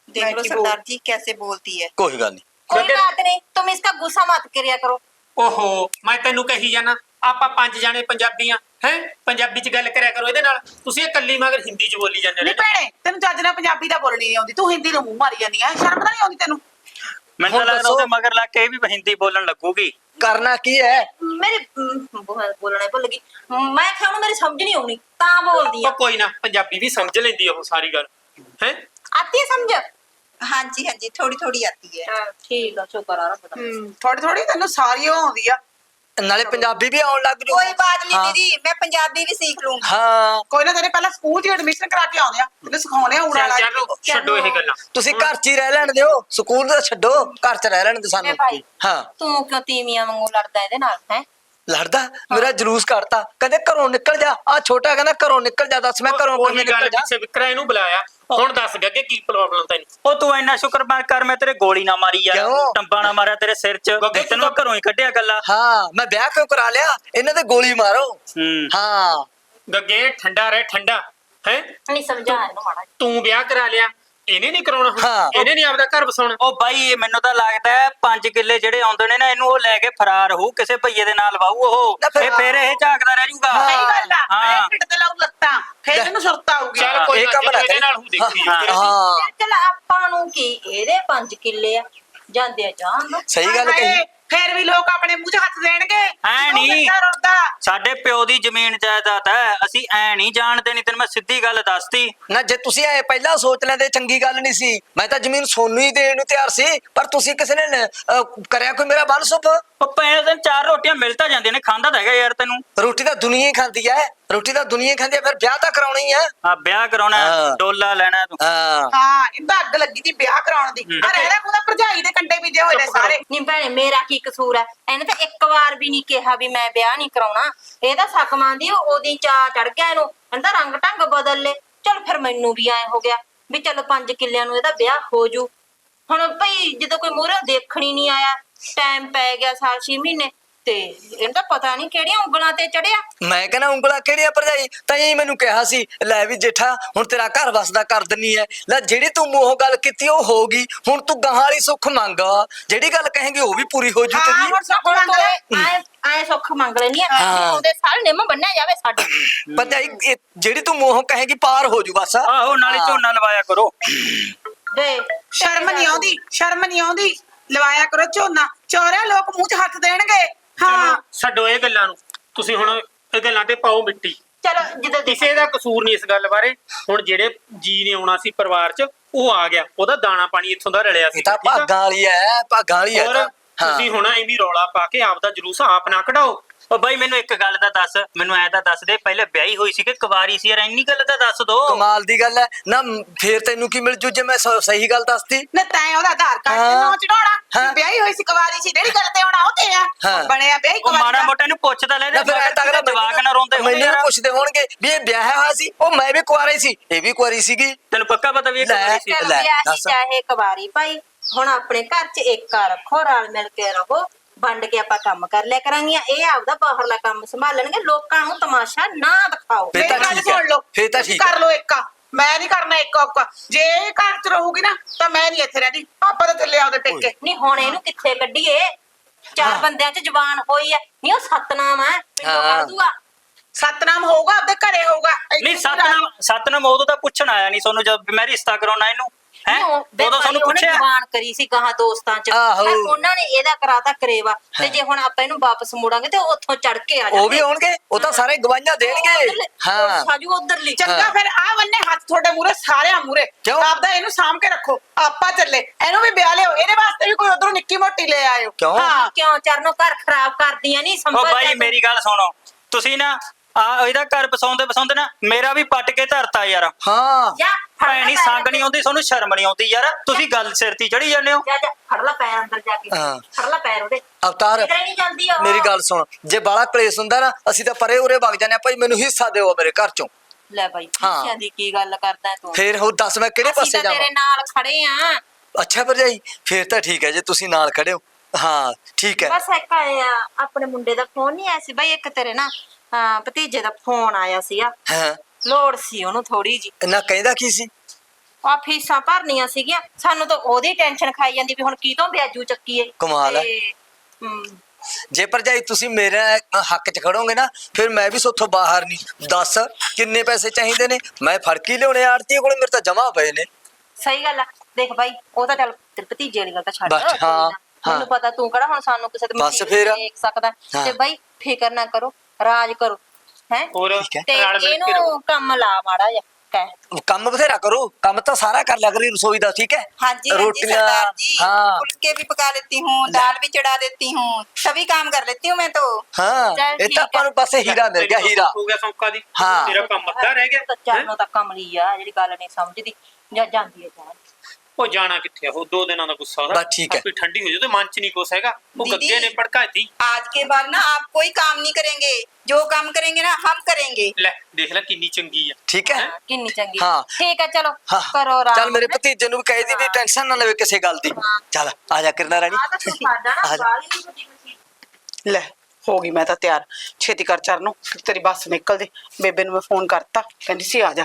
Speaker 3: देख
Speaker 1: मैं
Speaker 3: लो
Speaker 1: की
Speaker 3: सरदार जी कैसे बोलती है।
Speaker 4: ਕੋਈ ਗੱਲ ਨਹੀਂ
Speaker 2: कोई बात नहीं, तुम इसका गुस्सा मत करिया करो।
Speaker 5: ਓਹੋ ਮੈਂ ਤੈਨੂੰ ਕਹੀ ਜਾਣਾ ਆਪਾਂ ਪੰਜ ਜਾਣੇ ਪੰਜਾਬੀ ਆ ਹੈ ਪੰਜਾਬੀ ਚ ਗੱਲ ਕਰਿਆ ਕਰੋ ਇਹਦੇ ਨਾਲ ਤੁਸੀਂ ਇਹ ਕੱਲੀ ਮਗਰ ਹਿੰਦੀ ਚ ਬੋਲੀ ਜਾਂਦੇ
Speaker 1: ਨਹੀਂ
Speaker 5: ਨੇ
Speaker 1: ਭੈਣੇ ਤੈਨੂੰ ਚੱਜ ਨਾਲ ਪੰਜਾਬੀ ਦਾ ਬੋਲਣੀ ਨਹੀਂ ਆਉਂਦੀ ਤੂੰ ਹਿੰਦੀ ਨੂੰ ਮੂੰਹ ਮਾਰੀ ਜਾਂਦੀ ਆ ਸ਼ਰਮ ਤਾਂ ਨਹੀਂ ਆਉਂਦੀ ਤੈਨੂੰ
Speaker 6: ਮੈਨੂੰ ਤਾਂ
Speaker 4: ਹੁਣ
Speaker 6: ਲੱਗਦਾ
Speaker 4: ਦੱਸੋ।
Speaker 6: ਉਹਦੇ ਮਗਰ ਲੱਗ ਕੇ ਇਹ ਵੀ ਹਿੰਦੀ ਬੋਲਣ ਲੱਗੂਗੀ।
Speaker 4: ਕਰਨਾ ਕੀ ਹੈ
Speaker 2: मेरी हम्म, बोल- बोलना ही भुल गई। मैं क्या मेरी समझ नहीं आनी ता बोल दिया।
Speaker 5: ਉਹ ਕੋਈ ਨਾ ਪੰਜਾਬੀ ਵੀ ਸਮਝ ਲੈਂਦੀ ਉਹ ਸਾਰੀ ਗੱਲ ਹੈ
Speaker 2: आती है समझ?
Speaker 3: हाँ जी हाँ जी थोड़ी थोड़ी आती है।
Speaker 2: हाँ, ठीक है, शुक्र है रब दा।
Speaker 1: ਹੂੰ ਥੋੜੀ ਥੋੜੀ ਤੈਨੂੰ ਸਾਰੀ ਉਹ ਆਉਂਦੀ ਆ
Speaker 4: ਨਾਲੇ ਪੰਜਾਬੀ ਵੀ ਆਉਣ ਲੱਗ ਜੂ
Speaker 3: कोई बात नहीं
Speaker 4: हाँ।
Speaker 3: दीदी मैं पंजाबी भी सीख लूंगी।
Speaker 4: ਹਾਂ
Speaker 1: ਕੋਈ ਨਾ ਤੇਰੇ ਪਹਿਲਾਂ ਸਕੂਲ 'ਚ ਐਡਮਿਸ਼ਨ ਕਰਾ ਕੇ ਆਉਂਦੇ ਆ ਤੈਨੂੰ ਸਿਖਾਉਣੇ ਆ ਉੜਾ ਲਾ
Speaker 5: ਚਲੋ ਛੱਡੋ ਇਹ ਗੱਲਾਂ
Speaker 4: ਤੁਸੀਂ ਘਰ 'ਚ ਹੀ ਰਹਿ ਲੈਣ ਦਿਓ ਸਕੂਲ ਦਾ ਛੱਡੋ ਘਰ 'ਚ ਰਹਿ ਲੈਣ ਦਿਓ
Speaker 2: ए
Speaker 4: ਸਾਨੂੰ
Speaker 2: भाई
Speaker 4: ਹਾਂ
Speaker 2: तू क्यों तीमियां वांगू लड़दा है नाल है?
Speaker 4: ਲੜਦਾ ਮੇਰਾ ਜਲੂਸ ਕੱਢਤਾ ਕਹਿੰਦੇ ਘਰੋਂ ਨਿਕਲ ਜਾ ਆ ਛੋਟਾ ਕਹਿੰਦਾ ਘਰੋਂ ਨਿਕਲ ਜਾ ਦੱਸ ਮੈਂ ਘਰੋਂ
Speaker 5: ਉਹੀ
Speaker 4: ਕਿਵੇਂ
Speaker 5: ਗੱਲ
Speaker 4: ਨਿਕਲ ਜਾ
Speaker 5: ਪਿੱਛੇ ਵਿਕਰਾ ਇਹਨੂੰ ਬੁਲਾਇਆ ਹੁਣ ਦੱਸ ਗੱਗੇ ਕੀ ਪ੍ਰੋਬਲਮ ਤੈਨੂੰ
Speaker 6: ਉਹ ਤੂੰ ਇੰਨਾ ਸ਼ੁਕਰ ਮੈਂ ਕਰ ਮੈਂ ਤੇਰੇ ਗੋਲੀ ਨਾ ਮਾਰੀ ਯਾਰ
Speaker 4: ਕਿਉਂ?
Speaker 6: ਟੰਬਾ ਨਾ ਮਾਰਿਆ ਤੇਰੇ ਸਿਰ 'ਚ
Speaker 5: ਗੱਗੇ
Speaker 6: ਤੈਨੂੰ ਮੈਂ ਘਰੋਂ ਹੀ ਕੱਢਿਆ ਗੱਲਾਂ।
Speaker 4: ਹਾਂ ਮੈਂ ਵਿਆਹ ਕਿਉਂ ਕਰਾ ਲਿਆ ਇਹਨਾਂ ਤੇ ਗੋਲੀ ਮਾਰੋ
Speaker 6: ਹੂੰ
Speaker 4: ਹਾਂ
Speaker 5: ਗੱਗੇ ਠੰਡਾ ਰਹਿ ਠੰਡਾ ਹੈ
Speaker 2: नहीं समझा है ना माड़ा।
Speaker 5: ਤੂੰ ਵਿਆਹ ਕਰਾ ਲਿਆ ਇਹਨੇ ਨਹੀਂ ਕਰਾਉਣਾ ਹੁਣ
Speaker 4: ਹਾਂ।
Speaker 5: ਇਹਨੇ ਨਹੀਂ ਆਪਦਾ ਘਰ ਬਸਾਉਣਾ
Speaker 6: ਉਹ ਬਾਈ ਇਹ ਮੈਨੂੰ ਤਾਂ ਲੱਗਦਾ ਹੈ ਪੰਜ ਕਿੱਲੇ ਜਿਹੜੇ ਆਉਂਦੇ ਨੇ ਨਾ ਇਹਨੂੰ ਉਹ ਲੈ ਕੇ ਫਰਾਰ ਹੋਊ ਕਿਸੇ ਭਈਏ ਦੇ ਨਾਲ ਵਾਹੂ ਉਹ
Speaker 4: ਨਾ ਫਿਰ-
Speaker 6: ਇਹ ਫੇਰ ਇਹ ਝਾਕਦਾ ਰਹਿ ਜਾਊਗਾ।
Speaker 1: ਸਹੀ ਗੱਲ ਆ
Speaker 6: ਹਾਂ।
Speaker 1: ਇਹ ਪਿੱਟ ਤੇ ਲਾਉ ਲੱਤਾਂ ਫੇਰ ਤੈਨੂੰ ਸੁਰਤ ਆਊਗੀ
Speaker 5: ਚੱਲ ਕੋਈ
Speaker 4: ਇਹ
Speaker 5: ਨਾ
Speaker 4: ਕੰਮ
Speaker 5: ਜਦੋਂ
Speaker 4: ਨਾ
Speaker 5: ਇਹਦੇ
Speaker 4: ਕਰੀ।
Speaker 5: ਨਾਲ ਹੂ ਦੇਖੀ
Speaker 4: ਹਾਂ
Speaker 2: चल ਆਪਾਂ ਨੂੰ ਕੀ ਇਹਦੇ ਪੰਜ ਕਿੱਲੇ ਆ ਜਾਂਦੇ ਆ ਜਾਣ ਦੋ।
Speaker 4: ਸਹੀ ਗੱਲ
Speaker 1: ਹਾਏ,
Speaker 4: ਕਹੀ
Speaker 1: ਫੇਰ ਵੀ ਲੋਕ ਆਪਣੇ ਮੂੰਹ 'ਚ ਹੱਥ ਦੇਣਗੇ
Speaker 6: ਐ
Speaker 1: ਤੂੰ
Speaker 6: ਨੀ।
Speaker 1: ਕਿੱਦਾਂ ਰੁੜਦਾ?
Speaker 6: ਸਾਡੇ ਪਿਓ ਦੀ ਜ਼ਮੀਨ ਜਾਇਦਾਦ ਹੈ ਅਸੀਂ ਐ ਨਹੀਂ ਜਾਣਦੇ ਨਹੀਂ ਤੈਨੂੰ ਮੈਂ ਸਿੱਧੀ ਗੱਲ ਦੱਸਤੀ।
Speaker 4: ਨਾ ਜੇ ਤੁਸੀਂ ਐ ਪਹਿਲਾਂ ਸੋਚ ਲੈਂਦੇ ਚੰਗੀ ਗੱਲ ਨਹੀਂ ਸੀ ਮੈਂ ਤਾਂ ਜ਼ਮੀਨ ਸੋਨੂੰ ਹੀ ਦੇਣ ਨੂੰ ਤਿਆਰ ਸੀ ਪਰ ਤੁਸੀਂ ਕਿਸੇ ਨੇ ਨ- ਅਹ ਕਰਿਆ ਕੋਈ ਮੇਰਾ ਬੰਨਸੁਪ
Speaker 6: ਉਹ ਪੈਸੇ ਦਿਨ ਚਾਰ ਰੋਟੀਆਂ ਮਿਲ ਤਾਂ ਜਾਂਦੀਆਂ ਨੇ ਖਾਂਦਾ ਤਾਂ ਹੈਗਾ ਯਾਰ ਤੈਨੂੰ।
Speaker 4: ਰੋਟੀ ਤਾਂ ਦੁਨੀਆ ਹੀ ਖਾਂਦੀ ਐ ਰੋਟੀ ਤਾਂ ਦੁਨੀਆ ਹੀ ਖਾਂਦੀ ਐ ਫਿਰ ਵਿਆਹ ਤਾਂ ਕਰਾਉਣਾ ਹੀ ਐ
Speaker 6: ਆ ਵਿਆਹ ਕਰਾਉਣਾ ਹੈ,
Speaker 4: ਹਾਂ।
Speaker 6: ਡੋਲਾ ਲੈਣਾ ਹੈ ਤੂੰ।
Speaker 4: ਹਾਂ
Speaker 1: ਹਾਂ ਇਹਦਾ ਅੱਗ ਲੱਗੀ ਤੀ ਵਿਆਹ ਕਰਾਉਣ ਦੀ
Speaker 6: ਹੂੰ।
Speaker 1: ਆ ਰਹਿਣਾ ਉਹਦਾ ਭਰਜਾਈ ਦੇ ਕੰਡੇ ਬੀਜੇ ਹੋਏ ਨੇ ਸਾਰੇ
Speaker 2: ਨਹੀਂ ਭੈਣੇ ਮੇਰਾ ਕੀ ਕਸੂਰ ਹੈ? ਇਹਨੇ ਤਾਂ ਇੱਕ ਵਾਰ ਵੀ ਨਹੀਂ ਕਿਹਾ ਵੀ ਮੈਂ ਵਿਆਹ ਨਹੀਂ ਕਰਾਉਣਾ। ਇਹ ਤਾਂ ਸਕਮਾਂ ਦੀ ਉਹਦੀ ਚਾਹ ਚੜ ਗਿਆ ਇਹਨੂੰ ਕਹਿੰਦਾ ਰੰਗ ਢੰਗ ਬਦਲ ਲੈ। ਚਲ ਫਿਰ ਮੈਨੂੰ ਵੀ ਐ ਹੋ ਗਿਆ ਵੀ ਚਲੋ ਪੰਜ ਕਿੱਲਿਆਂ ਨੂੰ ਇਹਦਾ ਵਿਆਹ ਹੋ ਜੂ। ਹੁਣ ਭਈ ਜਦੋਂ ਕੋਈ ਮੂਹਰੇ ਦੇਖਣ ਹੀ ਨਹੀਂ ਆਇਆ ਟਾਈਮ ਪੈ ਗਿਆ ਸਾਲ ਛੇ ਮਹੀਨੇ ਤੇ ਇਹਨੂੰ ਤਾਂ ਪਤਾ ਨਹੀਂ ਕਿਹੜੀਆਂ ਉਂਗਲਾਂ ਤੇ ਚੜਿਆ।
Speaker 4: ਮੈਂ ਕਹਿੰਦਾ ਉਂਗਲਾ ਕਿਹੜੀਆਂ ਭਰਜਾਈ ਤਾਂ ਹੀ ਮੈਨੂੰ ਕਿਹਾ ਸੀ ਲੈ ਵੀ ਜੇਠਾ ਹੁਣ ਤੇਰਾ ਘਰ ਵਸਦਾ ਕਰ ਦਿੰਨੀ ਐ ਲੈ ਜਿਹੜੀ ਤੂੰ ਮੂੰਹੋਂ ਗੱਲ ਕੀਤੀ ਉਹ ਹੋਊਗੀ ਹੁਣ ਤੂੰ ਗਾਹਾਂ ਵਾਲੀ ਸੁੱਖ ਮੰਗ ਜਿਹੜੀ ਗੱਲ ਕਹੇਂਗੀ ਉਹ ਵੀ ਪੂਰੀ ਹੋ ਜੂ
Speaker 1: ਹਾਂ
Speaker 4: ਤੇਰੀ
Speaker 1: ਹੁਣ ਸੁੱਖ
Speaker 2: ਹੁਣ
Speaker 1: ਮੰਗ ਲੈ
Speaker 2: ਤੂੰ ਐ ਐ ਸੁੱਖ ਮੰਗ ਲੈਣੀ ਆ
Speaker 4: ਹਾਂ।
Speaker 2: ਆਉਂਦੇ ਸਾਲ ਨਿੰਮ ਬੰਨਿਆ ਜਾਵੇ ਸਾਡੇ।
Speaker 4: ਭਰਜਾਈ ਇਹ ਜਿਹੜੀ ਤੂੰ ਮੂੰਹੋਂ ਕਹੇਂਗੀ ਪਾਰ ਹੋ ਜੂ ਬਸ
Speaker 6: ਆਹੋ ਨਾਲੇ
Speaker 4: ਹਾਂ।
Speaker 6: ਝੋਨਾ ਲਵਾਇਆ ਕਰੋ।
Speaker 2: ਦੇ
Speaker 1: ਸ਼ਰਮ ਨਹੀਂ ਆਉਂਦੀ ਸ਼ਰਮ ਨਹੀਂ ਆਉਂਦੀ ਲਵਾਇਆ ਕਰੋ ਝੋਨਾ ਚੋਰਿਆ ਲੋਕ ਮੂੰਹ 'ਚ ਹੱਥ ਦੇਣਗੇ ਹਾਂ
Speaker 5: ਚਲੋ ਛੱਡੋ ਇਹ ਗੱਲਾਂ ਨੂੰ ਤੁਸੀਂ ਹੁਣ ਇਹ ਗੱਲਾਂ ਤੇ ਪਾਓ ਮਿੱਟੀ
Speaker 2: ਚਲੋ ਜਦੋਂ ਦੇ
Speaker 5: ਕਿਸੇ ਦਾ ਕਸੂਰ ਨਹੀਂ ਇਸ ਗੱਲ ਬਾਰੇ ਹੁਣ ਜਿਹੜੇ ਜੀ ਨੇ ਆਉਣਾ ਸੀ ਪਰਿਵਾਰ 'ਚ ਉਹ ਆ ਗਿਆ ਉਹਦਾ ਦਾਣਾ ਪਾਣੀ ਇੱਥੋਂ ਦਾ ਰਲਿਆ ਸੀ
Speaker 4: ਇਹ ਤਾਂ
Speaker 5: ਠੀਕ ਆ?
Speaker 4: ਭਾਗਾਂ ਵਾਲੀ ਐ ਭਾਗਾਂ ਵਾਲੀ ਐ
Speaker 5: ਔਰ
Speaker 4: ਤਾਂ ਹਾਂ
Speaker 5: ਤੁਸੀਂ ਹੁਣ ਐਵੇਂ ਰੌਲਾ ਪਾ ਕੇ ਆਪਦਾ ਜਲੂਸ ਆਪ ਨਾ ਕਢਾਓ
Speaker 6: ਉਹ ਬਾਈ ਮੈਨੂੰ ਇੱਕ ਗੱਲ ਤਾਂ ਦੱਸ ਮੈਨੂੰ ਐ ਤਾਂ ਦੱਸ ਦੇ ਪਹਿਲੇ ਵਿਆਹੀ ਹੋਈ ਸੀ ਕਿ ਕੁਵਾਰੀ ਸੀ ਯਾਰ ਇੰਨੀ ਗੱਲ ਤਾਂ ਦੱਸ ਦੋ।
Speaker 4: ਕਮਾਲ ਦੀ ਗੱਲ ਐ ਨਾ ਮ- ਫੇਰ ਤੈਨੂੰ ਕੀ ਮਿਲ ਜੂ ਜੇ ਮੈਂ ਸ- ਸਹੀ ਗੱਲ ਦੱਸਤੀ
Speaker 1: ਨਾ ਤੈਂ ਉਹਦਾ ਆਧਾਰ ਕਾਰਡ ਤੇ
Speaker 4: ਹਾਂ।
Speaker 1: ਨਾਂ ਚੜਾਉਣਾ
Speaker 4: ਹਾਂ।
Speaker 1: ਵਿਆਹੀ ਹੋਈ ਸੀ ਕੁਵਾਰੀ ਸੀ ਜਿਹੜੀ ਗੱਲ ਤੇ ਆਉਣਾ ਉਹ ਤੇ ਆ
Speaker 4: ਹਾਂ।
Speaker 1: ਬਣਿਆ ਵਿਆਹੀ
Speaker 6: ਉਹ
Speaker 1: ਕੁਵਾਰੀ
Speaker 6: ਮਾੜਾ
Speaker 1: ਦਾ।
Speaker 6: ਮੋਟਾ ਇਹਨੂੰ ਪੁੱਛ ਤਾਂ ਲੈ
Speaker 4: ਨਾ ਫਿਰ ਐ ਤੱਕ
Speaker 6: ਜਵਾਕ ਨਾ ਰੋਂਦੇ ਹੋਣਗੇ
Speaker 4: ਮੈਨੂੰ
Speaker 6: ਯਾਰ।
Speaker 4: ਪੁੱਛਦੇ ਹੋਣਗੇ ਵੀ ਇਹ ਵਿਆਹਿਆ ਹੋਇਆ ਸੀ ਉਹ ਮੈਂ ਵੀ ਕੁਆਰਾ ਹੀ ਸੀ ਇਹ ਵੀ ਕੁਆਰੀ ਸੀਗੀ
Speaker 6: ਤੈਨੂੰ ਪੱਕਾ ਪਤਾ ਵੀ ਇਹ
Speaker 4: ਲੈ।
Speaker 6: ਕੁਵਾਰੀ ਸੀ।
Speaker 2: ਚਲ
Speaker 4: ਲੈ,
Speaker 2: ਵਿਆਹੀ
Speaker 4: ਦੱਸ।
Speaker 2: ਚਾਹੇ ਕੁਵਾਰੀ ਭਾਈ ਹੁਣ ਆਪਣੇ ਘਰ 'ਚ ਏਕਾ ਰੱਖੋ ਰਲ ਮਿਲ ਕੇ ਰਹੋ ਵੰਡ ਕੇ ਆਪਾਂ ਕੰਮ ਕਰ ਲਿਆ ਕਰਾਂਗੀਆਂ ਇਹ ਆਪਦਾ ਬਾਹਰਲਾ ਕੰਮ ਸੰਭਾਲਣਗੇ ਲੋਕਾਂ ਨੂੰ ਤਮਾਸ਼ਾ ਨਾ ਦਿਖਾਓ।
Speaker 4: ਫਿਰ
Speaker 1: ਮੇਰੀ
Speaker 4: ਤਾਂ
Speaker 1: ਗੱਲ
Speaker 4: ਠੀਕ ਹੈ।
Speaker 1: ਸੁਣ ਲਓ
Speaker 4: ਫਿਰ ਤਾਂ
Speaker 1: ਤੁਸੀਂ
Speaker 4: ਠੀਕ ਹੈ।
Speaker 1: ਕਰ ਲਓ ਇੱਕਾ ਮੈਂ ਨਹੀਂ ਕਰਨਾ ਇੱਕਾ ਉੱਕਾ ਜੇ ਇਹ ਘਰ 'ਚ ਰਹੂਗੀ ਨਾ ਤਾਂ ਮੈਂ ਨਹੀਂ ਇੱਥੇ ਰਹਿੰਦੀ ਆਪਾਂ ਤਾਂ ਚੱਲੇ ਆਉਦੇ ਪੇਕੇ
Speaker 2: ਨਹੀਂ ਹੁਣ ਇਹਨੂੰ ਕਿੱਥੇ ਕੱਢੀਏ ਚਾਰ
Speaker 4: ਹਾਂ।
Speaker 2: ਬੰਦਿਆਂ 'ਚ ਜ਼ਬਾਨ ਹੋਈ ਐ ਨਹੀਂ ਉਹ ਸਤਨਾਮ ਐ ਪਿੰਡੋਂ
Speaker 4: ਹਾਂ।
Speaker 2: ਕੱਢ ਦੂਗਾ।
Speaker 1: ਸਤਨਾਮ ਹੋਊਗਾ ਆਪਦੇ ਘਰੇ ਹੋਊਗਾ ਇੱਥੇ
Speaker 6: ਨਹੀਂ
Speaker 1: ਕੋਈ
Speaker 6: ਸਤਨਾਮ ਸਤਨਾਮ ਉਦੋਂ ਤਾਂ ਪੁੱਛਣ ਆਇਆ ਨਹੀਂ ਤੁਹਾਨੂੰ ਜਦ ਮੈਂ ਰਿਸ਼ਤਾ ਕਰਾਉਣਾ ਇਹਨੂੰ ਹੈ
Speaker 2: ਨਹੀਂ, ਉਹ- ਵੇ
Speaker 6: ਉਦੋਂ ਤੁਹਾਨੂੰ
Speaker 2: ਭਾਈ ਉਹਨੇ
Speaker 6: ਪੁੱਛਿਆ
Speaker 2: ਜ਼ਬਾਨ ਕਰੀ ਸੀ ਗਾਹਾਂ ਦੋਸਤਾਂ 'ਚ
Speaker 4: ਆਹੋ।
Speaker 2: ਪਰ ਉਹਨਾਂ ਨੇ ਇਹਦਾ ਕਰਾਤਾ ਕਰੇਵਾ ਤੇ
Speaker 4: ਹਾਂ।
Speaker 2: ਜੇ ਹੁਣ ਆਪਾਂ ਇਹਨੂੰ ਵਾਪਸ ਮੋੜਾਂਗੇ ਤੇ ਉਹ ਉੱਥੋਂ ਚੜ ਕੇ ਆ ਜਾਣਗੇ।
Speaker 4: ਉਹ ਵੀ ਆਉਣਗੇ ਉਹ ਤਾਂ ਸਾਰੇ ਗਵਾਹੀਆਂ ਦੇਣਗੇ ਹਾਂ
Speaker 2: ਸਾਜੂ ਉਧਰਲੀ
Speaker 1: ਚੰਗਾ
Speaker 4: ਹਾਂ।
Speaker 1: ਫਿਰ ਆ ਬੰਨੇ ਹੱਥ ਤੁਹਾਡੇ ਮੂਰੇ ਸਾਰਿਆਂ ਮੂਰੇ
Speaker 4: ਕਿਉਂ?
Speaker 1: ਆਪਦਾ ਇਹਨੂੰ ਸਾਂਭ ਕੇ ਰੱਖੋ ਆਪਾਂ ਚੱਲੇ ਇਹਨੂੰ ਵੀ ਵਿਆਹ ਲਿਓ ਇਹਦੇ ਵਾਸਤੇ ਵੀ ਕੋਈ ਉਧਰੋਂ ਨਿੱਕੀ ਮੋਟੀ ਲੈ ਆਇਓ
Speaker 4: ਕਿਉਂ?
Speaker 1: ਹਾਂ
Speaker 2: ਕਿਉਂ ਚਰਨੋਂ ਘਰ ਖਰਾਬ ਕਰਦੀਆਂ ਨਹੀਂ
Speaker 6: ਉਹ
Speaker 2: ਸੰਭਲ
Speaker 6: ਬਾਈ
Speaker 2: ਜਾ ਤੂੰ।
Speaker 6: ਮੇਰੀ ਗੱਲ ਸੁਣੋ ਤੁਸੀਂ ਨਾ ਆ ਇਹਦਾ ਘਰ ਬਸਾਉਂਦੇ ਬਸਾਉਂਦੇ ਨਾ ਮੇਰਾ ਵੀ ਪੱਟ ਕੇ ਧਰਤਾ ਯਾਰ
Speaker 4: ਹਾਂ
Speaker 2: ਜਾ ਫੜ ਲੈ
Speaker 6: ਭੈਣੀ
Speaker 2: ਪੈਰ
Speaker 6: ਸੰਗ ਨਹੀਂ ਆਉਂਦੀ ਤੁਹਾਨੂੰ ਸ਼ਰਮ ਨਹੀਂ ਆਉਂਦੀ ਯਾਰ ਤੁਸੀਂ ਗੱਲ ਸਿਰ ਤੇ ਚੜੀ ਜਾਂਦੇ ਹੋ।
Speaker 2: ਜਾ ਜਾ ਫੜ ਲੈ ਪੈਰ ਅੰਦਰ ਜਾ ਕੇ
Speaker 4: ਹਾਂ।
Speaker 2: ਫੜ ਲੈ ਪੈਰ ਉਹਦੇ
Speaker 4: ਅਵਤਾਰ
Speaker 2: ਕਿਧਰੇ ਨਹੀਂ ਜਾਂਦੀ ਉਹ
Speaker 4: ਮੇਰੀ ਗੱਲ ਸੁਣ ਜੇ ਬਾਲਾ ਕਲੇਸ਼ ਹੁੰਦਾ ਨਾ ਅਸੀਂ ਤਾਂ ਪਰੇ ਉਰੇ ਵਗ ਜਾਂਦੇ ਆ ਭਾਈ ਮੈਨੂੰ ਹਿੱਸਾ ਦਿਓ ਮੇਰੇ ਘਰ ਚੋਂ
Speaker 2: ਲੈ ਬਾਈ
Speaker 4: ਹਾਂ।
Speaker 2: ਪਿੱਛਿਆਂ ਦੀ ਕੀ ਗੱਲ ਕਰਦਾ ਤੂੰ
Speaker 4: ਫੇਰ ਹੋਰ ਦੱਸ ਮੈਂ ਕਿਹੜੇ
Speaker 2: ਅਸੀਂ
Speaker 4: ਪਾਸੇ
Speaker 2: ਤਾਂ
Speaker 4: ਜਾਵਾਂ
Speaker 2: ਤੇਰੇ ਨਾਲ ਖੜੇ ਆ
Speaker 4: ਅੱਛਾ ਭਰਜਾਈ ਫੇਰ ਤਾਂ ਠੀਕ ਹੈ ਜੇ ਤੁਸੀਂ ਨਾਲ ਖੜੇ ਹੋ ਹਾਂ ਠੀਕ ਹੈ
Speaker 2: ਬਸ ਇੱਕ ਆਇਆ ਆਪਣੇ ਮੁੰਡੇ ਦਾ ਫੋਨ ਨਹੀਂ ਆਇਆ ਸੀ ਬਾਈ ਇੱਕ ਤੇਰੇ ਨਾ ਹਾਂ, ਭਤੀਜੇ ਦਾ ਫੋਨ ਆਇਆ ਸੀਗਾ
Speaker 4: ਹਾਂ
Speaker 2: ਲੋੜ ਸੀ ਉਹਨੂੰ ਥੋੜੀ ਜੀ
Speaker 4: ਨਾ ਕਹਿੰਦਾ ਕੀ ਸੀ
Speaker 2: ਆ ਫੀਸਾਂ ਭਰਨੀਆਂ ਸੀਗੀਆਂ, ਸਾਨੂੰ ਤਾਂ ਉਹਦੀ ਟੈਨਸ਼ਨ ਖਾਈ ਜਾਂਦੀ ਵੀ ਹੁਣ ਕੀ ਤੋਂ ਵਿਆਜੂ ਚੱਕੀਏ।
Speaker 4: ਕਮਾਲ ਹੈ।
Speaker 2: ਤੇ, ਹਮ,
Speaker 4: ਜੇ ਭਰਜਾਈ ਤੁਸੀਂ ਮੇਰੇ ਹੱਕ 'ਚ ਖੜੋਗੇ ਨਾ ਫਿਰ ਮੈਂ ਵੀ ਸੋਥੋਂ ਬਾਹਰ ਨਹੀਂ। ਦੱਸ ਕਿੰਨੇ ਪੈਸੇ ਚਾਹੀਦੇ ਨੇ, ਮੈਂ ਫੜ ਕੇ ਲਿਆਉਣੇ ਆੜਤੀ ਕੋਲ, ਮੇਰੇ ਤਾਂ ਜਮਾ ਪਏ ਨੇ।
Speaker 2: ਸਹੀ ਗੱਲ ਆ। ਦੇਖ ਬਾਈ ਉਹ ਤਾਂ ਚੱਲ ਤੇਰੇ ਭਤੀਜੇ ਵਾਲੀ ਗੱਲ ਤਾਂ ਛੱਡ,
Speaker 4: ਬਸ,
Speaker 2: ਕੋਈ
Speaker 4: ਹਾਂ,
Speaker 2: ਨਾ। ਮੈਨੂੰ ਪਤਾ ਤੂੰ ਕਿਹੜਾ ਹੁਣ ਸਾਨੂੰ ਕਿਸੇ ਦੇ
Speaker 4: ਬਸ
Speaker 2: ਮੁਸੀਬਤ
Speaker 4: ਫਿਰ।
Speaker 2: ਦੇਖ ਸਕਦਾ।
Speaker 4: ਹਾਂ।
Speaker 2: ਤੇ ਬਾਈ ਫਿਕਰ ਨਾ ਕਰੋ, ਰਾਜ ਕਰੋ ਹੈ
Speaker 5: ਹੋਰ
Speaker 4: ਠੀਕ ਹੈ।
Speaker 2: ਤੇ
Speaker 5: ਰਲ ਮਿਲ ਕੇ ਰਹੋ।
Speaker 2: ਇਹਨੂੰ ਕੰਮ ਲਾ ਮਾੜਾ ਜਿਹਾ ਕਹਿ।
Speaker 4: ਕੰਮ ਬਥੇਰਾ ਕरो, ਕੰਮ ਤਾਂ सारा कर लिया करी रसोई दा, ठीक है।
Speaker 3: हाँ जी हाँ जी सरदार जी,
Speaker 4: हाँ
Speaker 3: फुलके भी पका लेती हूँ, दाल भी चढ़ा देती हूँ, सभी काम कर लेती हूँ मैं तो।
Speaker 4: हाँ
Speaker 2: ਚੱਲ
Speaker 4: ਇਹ
Speaker 2: ਠੀਕ
Speaker 4: ਤਾਂ ਆਪਾਂ ਨੂੰ ਪਾਸੇ ਹੀਰਾ ਮਿਲ ਗਿਆ, ਹੀਰਾ।
Speaker 5: ਹੋ ਗਿਆ ਸੌਂਕਾ ਦੀ।
Speaker 4: ਹਾਂ।
Speaker 5: ਤੇਰਾ ਕੰਮ ਅੱਧਾ ਰਹਿ ਗਿਆ
Speaker 2: ਤਾਂ ਚਾਨੋ ਤਾਂ ਕਮਲੀ ਆ ਜਿਹੜੀ ਗੱਲ ਨਹੀਂ ਸਮਝਦੀ, ਜਾਂ ਜਾਂਦੀ ਹੈ ਜਾਨ।
Speaker 5: ਉਹ ਜਾਣਾ ਕਿੱਥੇ ਆ, ਉਹ ਦੋ ਦਿਨਾਂ ਦਾ ਗੁੱਸਾ ਉਹਦਾ
Speaker 4: ਬਸ ਠੀਕ ਹੈ।
Speaker 5: ਆਪੇ ਠੰਡੀ ਹੋ ਜਾਊ ਤੇ ਮਨ ਚ ਨਹੀਂ ਕੁਛ ਹੈਗਾ। ਉਹ
Speaker 3: दीदी,
Speaker 5: ਗੱਗੇ ਨੇ ਭੜਕਾਤੀ।
Speaker 3: आज के बाद ना आप कोई काम नहीं करेंगे, जो काम करेंगे ना हम करेंगे।
Speaker 5: ਲੈ ਦੇਖ ਲੈ ਕਿੰਨੀ ਚੰਗੀ ਆ।
Speaker 4: ठीक है।
Speaker 2: ਹਾਂ, ਕਿੰਨੀ ਚੰਗੀ।
Speaker 4: ਹਾਂ।
Speaker 2: ਠੀਕ ਹੈ ਚਲੋ
Speaker 4: ਹਾਂ
Speaker 2: ਕਰੋ ਰਾਮ।
Speaker 4: ਚੱਲ ਮੇਰੇ ਭਤੀਜੇ ਨੂੰ ਵੀ ਕਹਿ ਦੀ ਵੀ ਟੈਨਸ਼ਨ ਨਾ ਲਵੇ ਕਿਸੇ ਗੱਲ ਦੀ। ਚੱਲ ਆ ਜਾ ਕਿਰਨਾ ਰਾਣੀ।
Speaker 2: ਆ ਤਾਂ ਤੂੰ ਸਾਡਾ ਨਾ
Speaker 4: ਆ ਜਾ।
Speaker 2: ਬਾਲੀ ਨਹੀਂ ਵੱਡੀ ਮਸ਼ੀਨ।
Speaker 1: ਲੈ ਹੋ ਗਈ ਮੈਂ ਤਾਂ ਤਿਆਰ, ਛੇਤੀ ਕਰ ਚਰਨੋਂ, ਤੇਰੀ ਬੱਸ ਨਿਕਲ ਦੇ। ਬੇਬੇ ਨੂੰ ਮੈਂ ਫੋਨ ਕਰਤਾ, ਕਹਿੰਦੀ ਸੀ ਆ ਜਾ।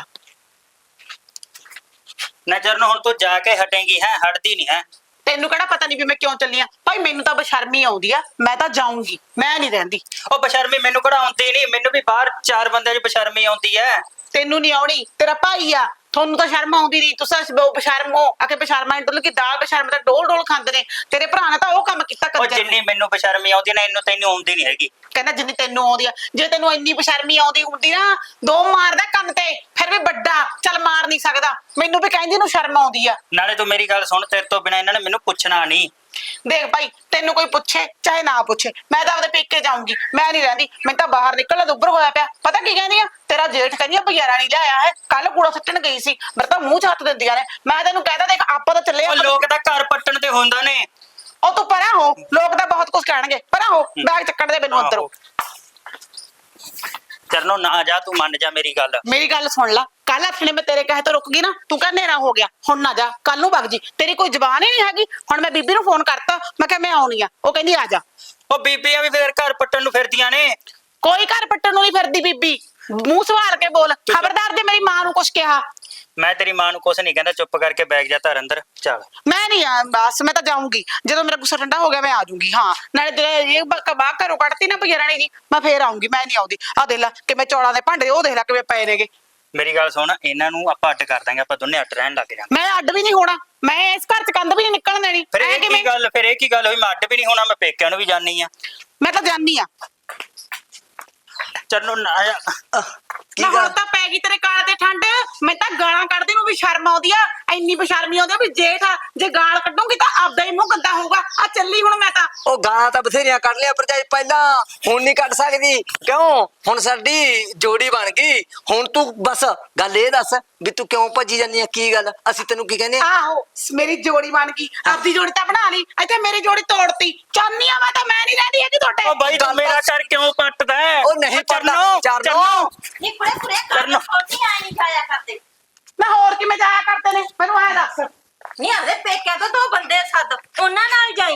Speaker 6: ਨਜ਼ਰ ਨੂੰ ਹੁਣ ਤੂੰ ਜਾ ਕੇ ਹਟੇਂਗੀ ਹੈ, ਹਟਦੀ ਨਹੀਂ ਹੈ।
Speaker 1: ਤੈਨੂੰ ਕਿਹੜਾ ਪਤਾ ਨਹੀਂ ਵੀ ਮੈਂ ਕਿਉਂ ਚੱਲੀ ਆ? ਭਾਈ ਮੈਨੂੰ ਤਾਂ ਬਸ਼ਰਮੀ ਆਉਂਦੀ ਆ, ਮੈਂ ਤਾਂ ਜਾਊਂਗੀ, ਮੈਂ ਨਹੀਂ ਰਹਿੰਦੀ।
Speaker 6: ਉਹ ਬਸ਼ਰਮੀ ਮੈਨੂੰ ਕਿਹੜਾ ਆਉਂਦੀ ਨਹੀਂ, ਮੈਨੂੰ ਵੀ ਬਾਹਰ ਚਾਰ ਬੰਦਿਆਂ 'ਚ ਬਸ਼ਰਮੀ ਆਉਂਦੀ ਹੈ।
Speaker 1: ਤੈਨੂੰ ਨਹੀਂ ਆਉਣੀ, ਤੇਰਾ ਭਾਈ ਆ, ਤੁਹਾਨੂੰ ਤਾਂ ਸ਼ਰਮ ਆਉਂਦੀ ਨਹੀਂ। ਤੁਸੀਂ ਬਸ਼ਰਮ ਹੋ, ਆਕੇ ਬਸ਼ਰਮਾ ਇੰਟਰ ਕੀ ਦਾਲ ਬਸ਼ਰਮ ਤਾਂ ਡੋਲ ਡੋਲ ਖਾਂਦੇ ਨੇ। ਤੇਰੇ ਭਰਾ ਨੇ ਤਾਂ ਉਹ ਕੰਮ ਕੀਤਾ
Speaker 6: ਉਹ
Speaker 1: ਕੰਜਰ
Speaker 6: ਜਿੰਨੀ
Speaker 1: ਨੇ।
Speaker 6: ਮੈਨੂੰ ਬਸ਼ਰਮੀ ਆਉਂਦੀ ਨਾ, ਇਹਨੂੰ ਤੈਨੂੰ ਆਉਂਦੀ ਨਹੀਂ ਹੈਗੀ।
Speaker 1: ਕਹਿੰਦਾ ਜਿੰਨੀ ਤੈਨੂੰ ਆਉਂਦੀ ਆ, ਜੇ ਤੈਨੂੰ ਇੰਨੀ ਬਸ਼ਰਮੀ ਆਉਂਦੀ ਹੁੰਦੀ ਨਾ, ਦੋ ਮਾਰਦਾ ਕੰਨ ਤੇ, ਫਿਰ ਵੀ ਵੱਡਾ ਚੱਲ ਮਾਰ ਨਹੀਂ ਸਕਦਾ। ਮੈਨੂੰ ਵੀ ਕਹਿੰਦੀ ਨੂੰ ਸ਼ਰਮ ਆਉਂਦੀ ਆ।
Speaker 6: ਨਾਲੇ ਤੂੰ ਮੇਰੀ ਗੱਲ ਸੁਣ, ਤੇਰੇ ਤੋਂ ਬਿਨਾ ਇਹਨਾਂ ਨੇ ਮੈਨੂੰ ਪੁੱਛਣਾ ਨਹੀਂ।
Speaker 1: ਦੇਖ ਭਾਈ ਤੈਨੂੰ ਕੋਈ ਪੁੱਛੇ ਚਾਹੇ ਨਾ ਪੁੱਛੇ, ਮੈਂ ਤਾਂ ਆਪਦੇ ਪੇਕੇ ਜਾਊਂਗੀ, ਮੈਂ ਨਹੀਂ ਰਹਿੰਦੀ। ਮੈਂ ਤਾਂ ਬਾਹਰ ਨਿਕਲਣਾ ਦੁੱਬਰ ਹੋਇਆ ਪਿਆ। ਪਤਾ ਕੀ ਕਹਿੰਦੀ ਆ, ਤੇਰਾ ਜੇਠ ਕਹਿੰਦੀ ਆ ਬਗਿਆਰਾ ਨਹੀਂ ਲਿਆਇਆ ਹੈ, ਕੱਲ ਕੂੜਾ ਸੱਟਣ ਗਈ ਸੀ, ਮੇਰੇ ਤਾਂ ਮੂੰਹ ਚ ਹੱਥ ਦਿੰਦੀਆਂ ਨੇ। ਮੈਂ ਤੈਨੂੰ ਕਹਿੰਦਾ ਦੇਖ ਆਪਾਂ ਤਾਂ ਚੱਲੇ
Speaker 6: ਉਹ ਲੋਕ ਤਾਂ ਘਰ ਪੱਟਣ ਤੇ ਹੁੰਦਾ ਨੇ।
Speaker 1: ਉਹ ਤੂੰ ਪਰਾਂ ਹੋ, ਲੋਕ ਤਾਂ ਬਹੁਤ ਕੁਝ ਕਹਿਣਗੇ, ਪਰਾਂ ਹੋ, ਬੈਗ ਚੱਕਣ ਦੇ ਮੈਨੂੰ ਅੰਦਰੋਂ।
Speaker 6: ਚਰਨੋ ਨਾ ਜਾ, ਤੂੰ ਮੰਨ ਜਾ ਮੇਰੀ ਗੱਲ।
Speaker 1: ਮੇਰੀ ਗੱਲ ਸੁਣ ਲੈ, ਕੱਲ ਆਪਣੇ ਮੈਂ ਤੇਰੇ ਕਹੇ ਤੋਂ ਰੁਕ ਗਈ ਨਾ, ਤੂੰ ਕਹ ਹਨੇਰਾ ਹੋ ਗਿਆ, ਹੁਣ ਨਾ ਜਾ, ਕੱਲ ਨੂੰ ਵਗ ਜੀ। ਤੇਰੀ ਕੋਈ ਜ਼ਬਾਨ ਹੀ ਨਹੀਂ ਹੈਗੀ। ਹੁਣ ਮੈਂ ਬੀਬੀ ਨੂੰ ਫੋਨ ਕਰਤਾ, ਮੈਂ ਕਿਹਾ ਮੈਂ ਆਉਣੀ ਆ, ਉਹ ਕਹਿੰਦੀ ਆ ਜਾ।
Speaker 6: ਉਹ ਬੀਬੀਆਂ ਵੀ ਫੇਰ ਘਰ ਪੱਟਣ ਨੂੰ ਫਿਰਦੀਆਂ ਨੇ।
Speaker 1: ਕੋਈ ਘਰ ਪੱਟਣ ਨੂੰ ਨਹੀਂ ਫਿਰਦੀ ਬੀਬੀ, ਮੂੰਹ ਸਵਾਲ ਕੇ ਬੋਲ। ਖਬਰਦਾਰ ਜੇ ਮੇਰੀ ਮਾਂ ਨੂੰ ਕੁਛ ਕਿਹਾ।
Speaker 6: ਮੈਂ ਤੇਰੀ ਮਾਂ ਨੂੰ ਕੁਛ ਨਹੀਂ ਕਹਿੰਦਾ, ਚੁੱਪ ਕਰਕੇ ਬੈਗ ਜਾ ਧਰ ਅੰਦਰ ਚੱਲ।
Speaker 1: ਮੈਂ ਨਹੀਂ ਆ, ਬਸ ਮੈਂ ਤਾਂ ਜਾਊਂਗੀ, ਜਦੋਂ ਮੇਰਾ ਗੁੱਸਾ ਠੰਡਾ ਹੋ ਗਿਆ ਮੈਂ ਆ ਜਾਊਂਗੀ। ਹਾਂ ਨਾਲੇ ਤੇਰੇ ਇਹ ਬਾਹਰ ਘਰੋਂ ਕੱਢਤੀ ਨਾ ਬਗਿਆਰਾਣੀ ਦੀ, ਮੈਂ ਫੇਰ ਆਊਂਗੀ, ਮੈਂ ਨਹੀਂ ਆਉਂਦੀ। ਆ ਦੇਖ ਲੈ ਕਿਵੇਂ ਚੌਲਾਂ ਦੇ ਭਾਂਡੇ, ਉਹ ਦੇਖ ਲੈ ਕਿਵੇਂ ਪਏ ਨੇਗੇ।
Speaker 6: ਮੇਰੀ ਗੱਲ ਸੁਣ, ਇਹਨਾਂ ਨੂੰ ਆਪਾਂ ਅੱਡ ਕਰ ਦਾਂਗੇ, ਆਪਾਂ ਦੋਨੇ ਅੱਡ ਰਹਿਣ ਲੱਗ ਜਾਾਂਗੇ।
Speaker 1: ਮੈਂ ਅੱਡ ਵੀ ਨਹੀਂ ਹੋਣਾ, ਮੈਂ ਇਸ ਘਰ ਚ ਕੰਧ ਵੀ ਨਹੀਂ ਨਿਕਲਣ ਦੇਣੀ।
Speaker 6: ਫਿਰ
Speaker 1: ਐਂ
Speaker 6: ਇਹ ਕੀ
Speaker 1: ਕਿਵੇਂ?
Speaker 6: ਗੱਲ, ਫਿਰ ਇਹ ਕੀ ਗੱਲ ਹੋਈ, ਮੈਂ ਅੱਡ ਵੀ ਨਹੀਂ ਹੋਣਾ, ਮੈਂ ਪੇਕਿਆਂ ਨੂੰ ਵੀ ਜਾਣੀ ਆ।
Speaker 1: ਮੈਂ ਤਾਂ ਜਾਣੀ ਆ।
Speaker 6: ਚਰਨੋ ਨਾ ਆ।
Speaker 4: ਕੀ
Speaker 1: ਨਾ ਹੁਣ
Speaker 4: ਗੱਲ?
Speaker 1: ਤਾਂ ਪੈ ਗਈ ਤੇਰੇ ਕਾਲ ਤੇ ਠੰਡ। ਮੈਂ ਤਾਂ ਗਾਲਾਂ ਕੱਢਦੀ ਨੂੰ ਵੀ ਸ਼ਰਮ ਆਉਂਦੀ ਆ, ਇੰਨੀ ਬਸ਼ਰਮੀ ਆਉਂਦੀ ਆ ਵੀ ਜੇਠ ਆ, ਜੇ ਗਾਲ ਕੱਢੂੰਗੀ ਤਾਂ ਆਪਦਾ ਹੀ ਮੂੰਹ ਗੰਦਾ ਹੋਊਗਾ। ਆ ਚੱਲੀ ਹੁਣ ਮੈਂ ਤਾਂ।
Speaker 4: ਉਹ ਗਾਲਾਂ ਤਾਂ ਬਥੇਰੀਆਂ ਕੱਢ ਲਿਆ ਭਰਜਾਈ ਪਹਿਲਾਂ, ਹੁਣ ਨਹੀਂ ਕੱਢ ਸਕਦੀ। ਕਿਉਂ? ਹੁਣ ਸਾਡੀ ਜੋੜੀ ਬਣ ਗਈ। ਹੁਣ ਤੂੰ ਬਸ ਗੱਲ ਇਹ ਦੱਸ ਵੀ ਤੂੰ ਕਿਉਂ ਭੱਜੀ ਜਾਂਦੀ ਆ, ਕੀ ਗੱਲ? ਅਸੀਂ ਤੈਨੂੰ ਕੀ ਕਹਿੰਦੇ ਆ?
Speaker 1: ਆਹੋ ਮੇਰੀ ਜੋੜੀ ਬਣ ਗਈ, ਆਪਦੀ ਜੋੜੀ ਤਾਂ ਬਣਾ ਲਈ, ਇੱਥੇ ਮੇਰੀ ਜੋੜੀ ਤੋੜਤੀ। ਚਾਹਨੀ ਆ ਮੈਂ ਤਾਂ, ਮੈਂ ਨਹੀਂ ਰਹਿੰਦੀ ਹੈਗੀ ਤੁਹਾਡੇ।
Speaker 6: ਉਹ ਬਾਈ ਤੂੰ
Speaker 4: ਗੱਲ
Speaker 6: ਮੇਰਾ
Speaker 4: ਤਾਂ-
Speaker 6: ਘਰ ਕਿਉਂ ਪੱਟਦਾ ਹੈ?
Speaker 4: ਉਹ ਨਹੀਂ ਪੜਦਾ
Speaker 6: ਚਰਨੋ,
Speaker 4: ਚਰਨੋ।
Speaker 2: ਨੀ ਕੁੜੇ ਕੁੜੇ
Speaker 6: ਕਰਨਾ।
Speaker 2: ਕਰ ਛੋਟੀ ਆਈ ਨਹੀਂ ਜਾਇਆ ਕਰਦੇ।
Speaker 1: ਮੈਂ ਹੋਰ ਕਿਵੇਂ ਜਾਇਆ ਕਰਦੇ ਨੇ, ਮੈਨੂੰ ਐ ਦੱਸ।
Speaker 2: ਨਹੀਂ ਆਦੇ ਪੇਕਿਆਂ ਤੋਂ ਦੋ ਬੰਦੇ ਸੱਦ, ਉਹਨਾਂ ਨਾਲ ਜਾਈ।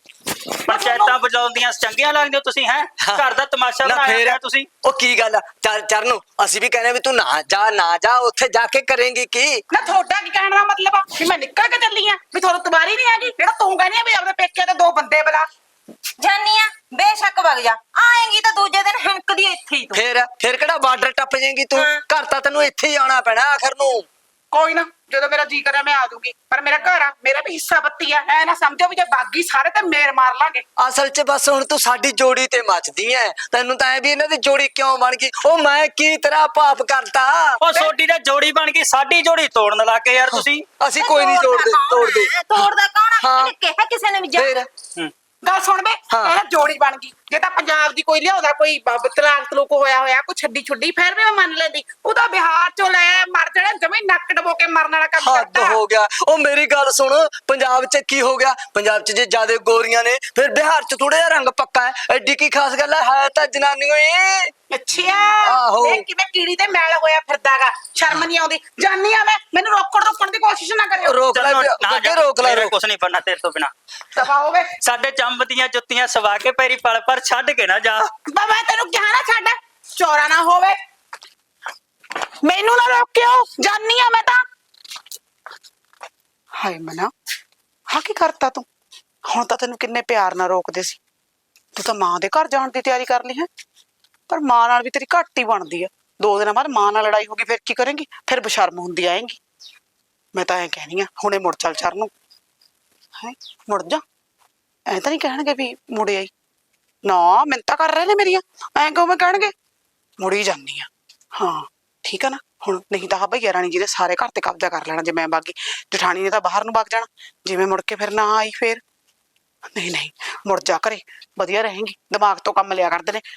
Speaker 6: ਪੰਚਾਇਤਾਂ ਬਜਾਉਂਦੀਆਂ ਚੰਗੀਆਂ ਲੱਗਦੀਆਂ ਤੁਸੀਂ ਹੈ, ਘਰ ਦਾ ਤਮਾਸ਼ਾ
Speaker 4: ਨਾ
Speaker 6: ਬਣਾਇਆ
Speaker 4: ਫੇਰ
Speaker 6: ਹੋਇਆ ਤੁਸੀਂ।
Speaker 4: ਉਹ ਕੀ ਗੱਲ ਆ? ਚੱਲ ਚਰਨ, ਅਸੀਂ ਵੀ ਕਹਿੰਦੇ ਵੀ ਤੂੰ ਨਾ ਜਾ, ਨਾ ਜਾ, ਉੱਥੇ ਜਾ ਕੇ ਕਰੇਂਗੀ ਕੀ?
Speaker 1: ਨਾ ਤੁਹਾਡਾ ਕੀ ਕਹਿਣ ਦਾ ਮਤਲਬ ਆ ਵੀ ਮੈਂ ਨਿਕਲ ਕੇ ਚੱਲੀ ਆ, ਵੀ ਤੁਹਾਨੂੰ ਤਵਾਰੀ ਨਹੀਂ ਹੈਗੀ? ਜਿਹੜਾ ਤੂੰ ਕਹਿੰਦੀ ਆ ਵੀ ਆਪਣੇ ਪੇਕੇ ਤੇ ਦੋ ਬੰਦੇ ਬੁਲਾ।
Speaker 2: ਜਾਨੀ ਆ ਬੇਸ਼ੱਕ ਵਗ ਜਾ, ਆਏਗੀ ਤਾਂ ਦੂਜੇ ਦਿਨ ਹਣਕਦੀ ਇੱਥੇ ਹੀ ਤੂੰ।
Speaker 4: ਫੇਰ ਫੇਰ ਕਿਹੜਾ ਬਾਰਡਰ ਟੱਪ ਜਾਏਂਗੀ ਤੂੰ?
Speaker 2: ਹਾਂ।
Speaker 4: ਘਰ ਤਾਂ ਤੈਨੂੰ ਇੱਥੇ ਹੀ ਆਉਣਾ ਪੈਣਾ ਆਖਰ ਨੂੰ।
Speaker 1: ਕੋਈ ਨਾ, ਜਦੋਂ ਮੇਰਾ ਜੀ ਕਰਿਆ ਮੈਂ ਆ ਜਾਊਂਗੀ, ਪਰ ਮੇਰਾ ਘਰ ਆ, ਮੇਰਾ ਵੀ ਹਿੱਸਾ ਬੱਤੀ ਆ। ਐ ਨਾ ਸਮਝੋ ਵੀ ਜੇ ਬਾਗੀ ਸਾਰੇ ਤੇ ਮੇਰ ਮਾਰ ਲਾਂਗੇ।
Speaker 4: ਅਸਲ 'ਚ ਬਸ ਹੁਣ ਤੂੰ ਸਾਡੀ ਜੋੜੀ ਤੇ ਮੱਚਦੀ ਐ। ਤੈਨੂੰ ਤਾਂ ਐ ਵੀ ਇਹਨਾਂ ਦੀ ਜੋੜੀ ਕਿਉਂ ਬਣ ਗਈ? ਉਹ ਮੈਂ ਕੀ ਤੇਰਾ ਪਾਪ ਕਰਤਾ?
Speaker 6: ਉਹ ਸੋਡੀ ਦਾ ਜੋੜੀ ਬਣ ਗਈ, ਸਾਡੀ ਜੋੜੀ ਤੋੜਨ ਲੱਗ ਗਏ ਯਾਰ ਤੁਸੀਂ।
Speaker 4: ਅਸੀਂ ਕੋਈ ਨਹੀਂ ਤੋੜਦੇ ਤੋੜਦੇ
Speaker 2: ਤੋੜਦਾ ਕੌਣ ਆ?
Speaker 4: ਹਾਂ।
Speaker 2: ਇਹਨੇ ਕਿਹਾ ਕਿਸੇ ਨੇ ਵੀ ਜਾ।
Speaker 4: ਫੇਰ
Speaker 6: ਹੂੰ।
Speaker 1: ਗੱਲ ਸੁਣ ਬੇ,
Speaker 4: ਹਾਂ।
Speaker 1: ਇਹ ਜੋੜੀ ਬਣ ਗਈ। ਜੇ ਤਾਂ ਪੰਜਾਬ ਦੀ ਕੋਈ ਲਿਆਉਂਦਾ, ਕੋਈ ਬ- ਤਲਾਕ ਤਲੂਕ ਹੋਇਆ ਹੋਇਆ, ਕੋਈ ਛੱਡੀ ਛੁੱਡੀ, ਫਿਰ ਵੀ ਮੈਂ ਮੰਨ ਲੈਂਦੀ। ਉਹ ਤਾਂ ਬਿਹਾਰ ਚੋਂ ਲੈ ਮਰ ਜਾਣਾ, ਜਮੇ ਨੱਕ ਡਬੋ ਕੇ ਮਰਨ ਵਾਲਾ ਕੰਮ
Speaker 4: ਹੱਦ
Speaker 1: ਕਰਦਾ।
Speaker 4: ਹੋ ਗਿਆ। ਉਹ ਮੇਰੀ ਗੱਲ ਸੁਣ, ਪੰਜਾਬ 'ਚ ਕੀ ਹੋ ਗਿਆ? ਪੰਜਾਬ 'ਚ ਜੇ ਜਿਆਦੇ ਗੋਰੀਆਂ ਨੇ, ਫਿਰ ਬਿਹਾਰ 'ਚ ਥੋੜਾ ਜਿਹਾ ਰੰਗ ਪੱਕਾ ਹੈ। ਐਡੀ ਕੀ ਖਾਸ ਗੱਲ ਹੈ? ਹੈ ਤਾਂ ਜਨਾਨੀਆਂ ਹੀ।
Speaker 1: ਅੱਛਾ
Speaker 4: ਆਹੋ।
Speaker 1: ਇਹ ਕਿਵੇਂ ਕੀੜੀ ਤੇ ਮੈਲ ਹੋਇਆ ਫਿਰਦਾਗਾ, ਸ਼ਰਮ ਨਹੀਂ ਆਉਂਦੀ। ਜਾਨੀ ਆ ਮੈਂ, ਮੈਨੂੰ ਰੋਕਣ ਰੋਕਣ ਦੀ ਕੋਸ਼ਿਸ਼ ਨਾ ਕਰਿਓ।
Speaker 4: ਰੋਕ ਲੈ
Speaker 6: ਚਰਨੋ,
Speaker 4: ਵੀ-
Speaker 6: ਨਾ
Speaker 4: ਅੱਗੇ
Speaker 6: ਜਾ,
Speaker 4: ਰੋਕ ਲੈ
Speaker 6: ਮੇਰਾ
Speaker 4: ਰੋਕ।
Speaker 6: ਕੁਛ ਨਹੀਂ ਬਣਨਾ ਤੇਰੇ ਤੋਂ ਬਿਨਾ।
Speaker 1: ਦਫਾ ਹੋਵੇ।
Speaker 6: ਸਾਡੇ ਚੰਬ ਦੀਆਂ ਜੁੱਤੀਆਂ ਸਵਾ ਕੇ ਪੈਰੀ ਪਲ ਪਰ ਛੱਡ ਕੇ ਨਾ ਜਾ।
Speaker 1: ਬਾ ਮੈਂ ਤੈਨੂੰ ਕਿਹਾ ਨਾ ਛੱਡ, ਚੋਰਾ ਨਾ ਹੋਵੇ। ਮੈਨੂੰ ਨਾ ਰੋਕਿਓ, ਜਾਨੀ ਆ ਮੈਂ ਤਾਂ। ਹਾਏ ਮਨਾ, ਹਾਂ ਕੀ ਕਰਤਾ ਤੂੰ? ਹੁਣ ਤਾਂ ਤੈਨੂੰ ਕਿੰਨੇ ਪਿਆਰ ਨਾਲ ਰੋਕਦੇ ਸੀ, ਤੂੰ ਤਾਂ ਮਾਂ ਦੇ ਘਰ ਜਾਣ ਦੀ ਤਿਆਰੀ ਕਰ ਲਈ ਹੈ। ਪਰ ਮਾਂ ਨਾਲ ਵੀ ਤੇਰੀ ਘੱਟ ਹੀ ਬਣਦੀ ਆ। ਦੋ ਦਿਨਾਂ ਬਾਅਦ ਮਾਂ ਨਾਲ ਲੜਾਈ ਹੋ ਗਈ, ਫਿਰ ਕੀ ਕਰੇਂਗੀ? ਫਿਰ ਬਸ਼ਰਮ ਹੁੰਦੀ ਆਏਂਗੀ। ਮੈਂ ਤਾਂ ਐਂ ਕਹਿਣੀ ਆ, ਹੁਣੇ ਮੁੜ ਚੱਲ ਚਰਨ ਨੂੰ। ਹੈ ਮੁੜ ਜਾ, ਐ ਤਾਂ ਨਹੀਂ ਕਹਿਣਗੇ ਵੀ ਮੁੜੇ ਆਈ। ਨਾ ਮਿੰਨਤਾਂ ਕਰ ਰਹੇ ਨੇ ਮੇਰੀਆਂ, ਐਂ ਕਿਵੇਂ ਕਹਿਣਗੇ? ਮੁੜੀ ਜਾਂਦੀ ਆ। ਹਾਂ ਠੀਕ ਆ ਨਾ। ਹੁਣ ਨਹੀਂ ਤਾਂ ਭਈਆ ਰਾਣੀ ਜੀ ਦੇ ਸਾਰੇ ਘਰ ਤੇ ਕਬਜ਼ਾ ਕਰ ਲੈਣਾ ਜੇ ਮੈਂ ਬਾਗੀ। ਜਠਾਣੀ ਨੇ ਤਾਂ ਬਾਹਰ ਨੂੰ ਵਗ ਜਾਣਾ, ਜਿਵੇਂ ਮੁੜ ਕੇ ਫਿਰ ਨਾ ਆਈ ਫੇਰ। ਨਹੀਂ ਨਹੀਂ, ਮੁੜ ਜਾ ਘਰੇ, ਵਧੀਆ ਰਹੇਂਗੀ। ਦਿਮਾਗ ਤੋਂ ਕੰਮ ਲਿਆ ਕਰਦੇ ਨੇ।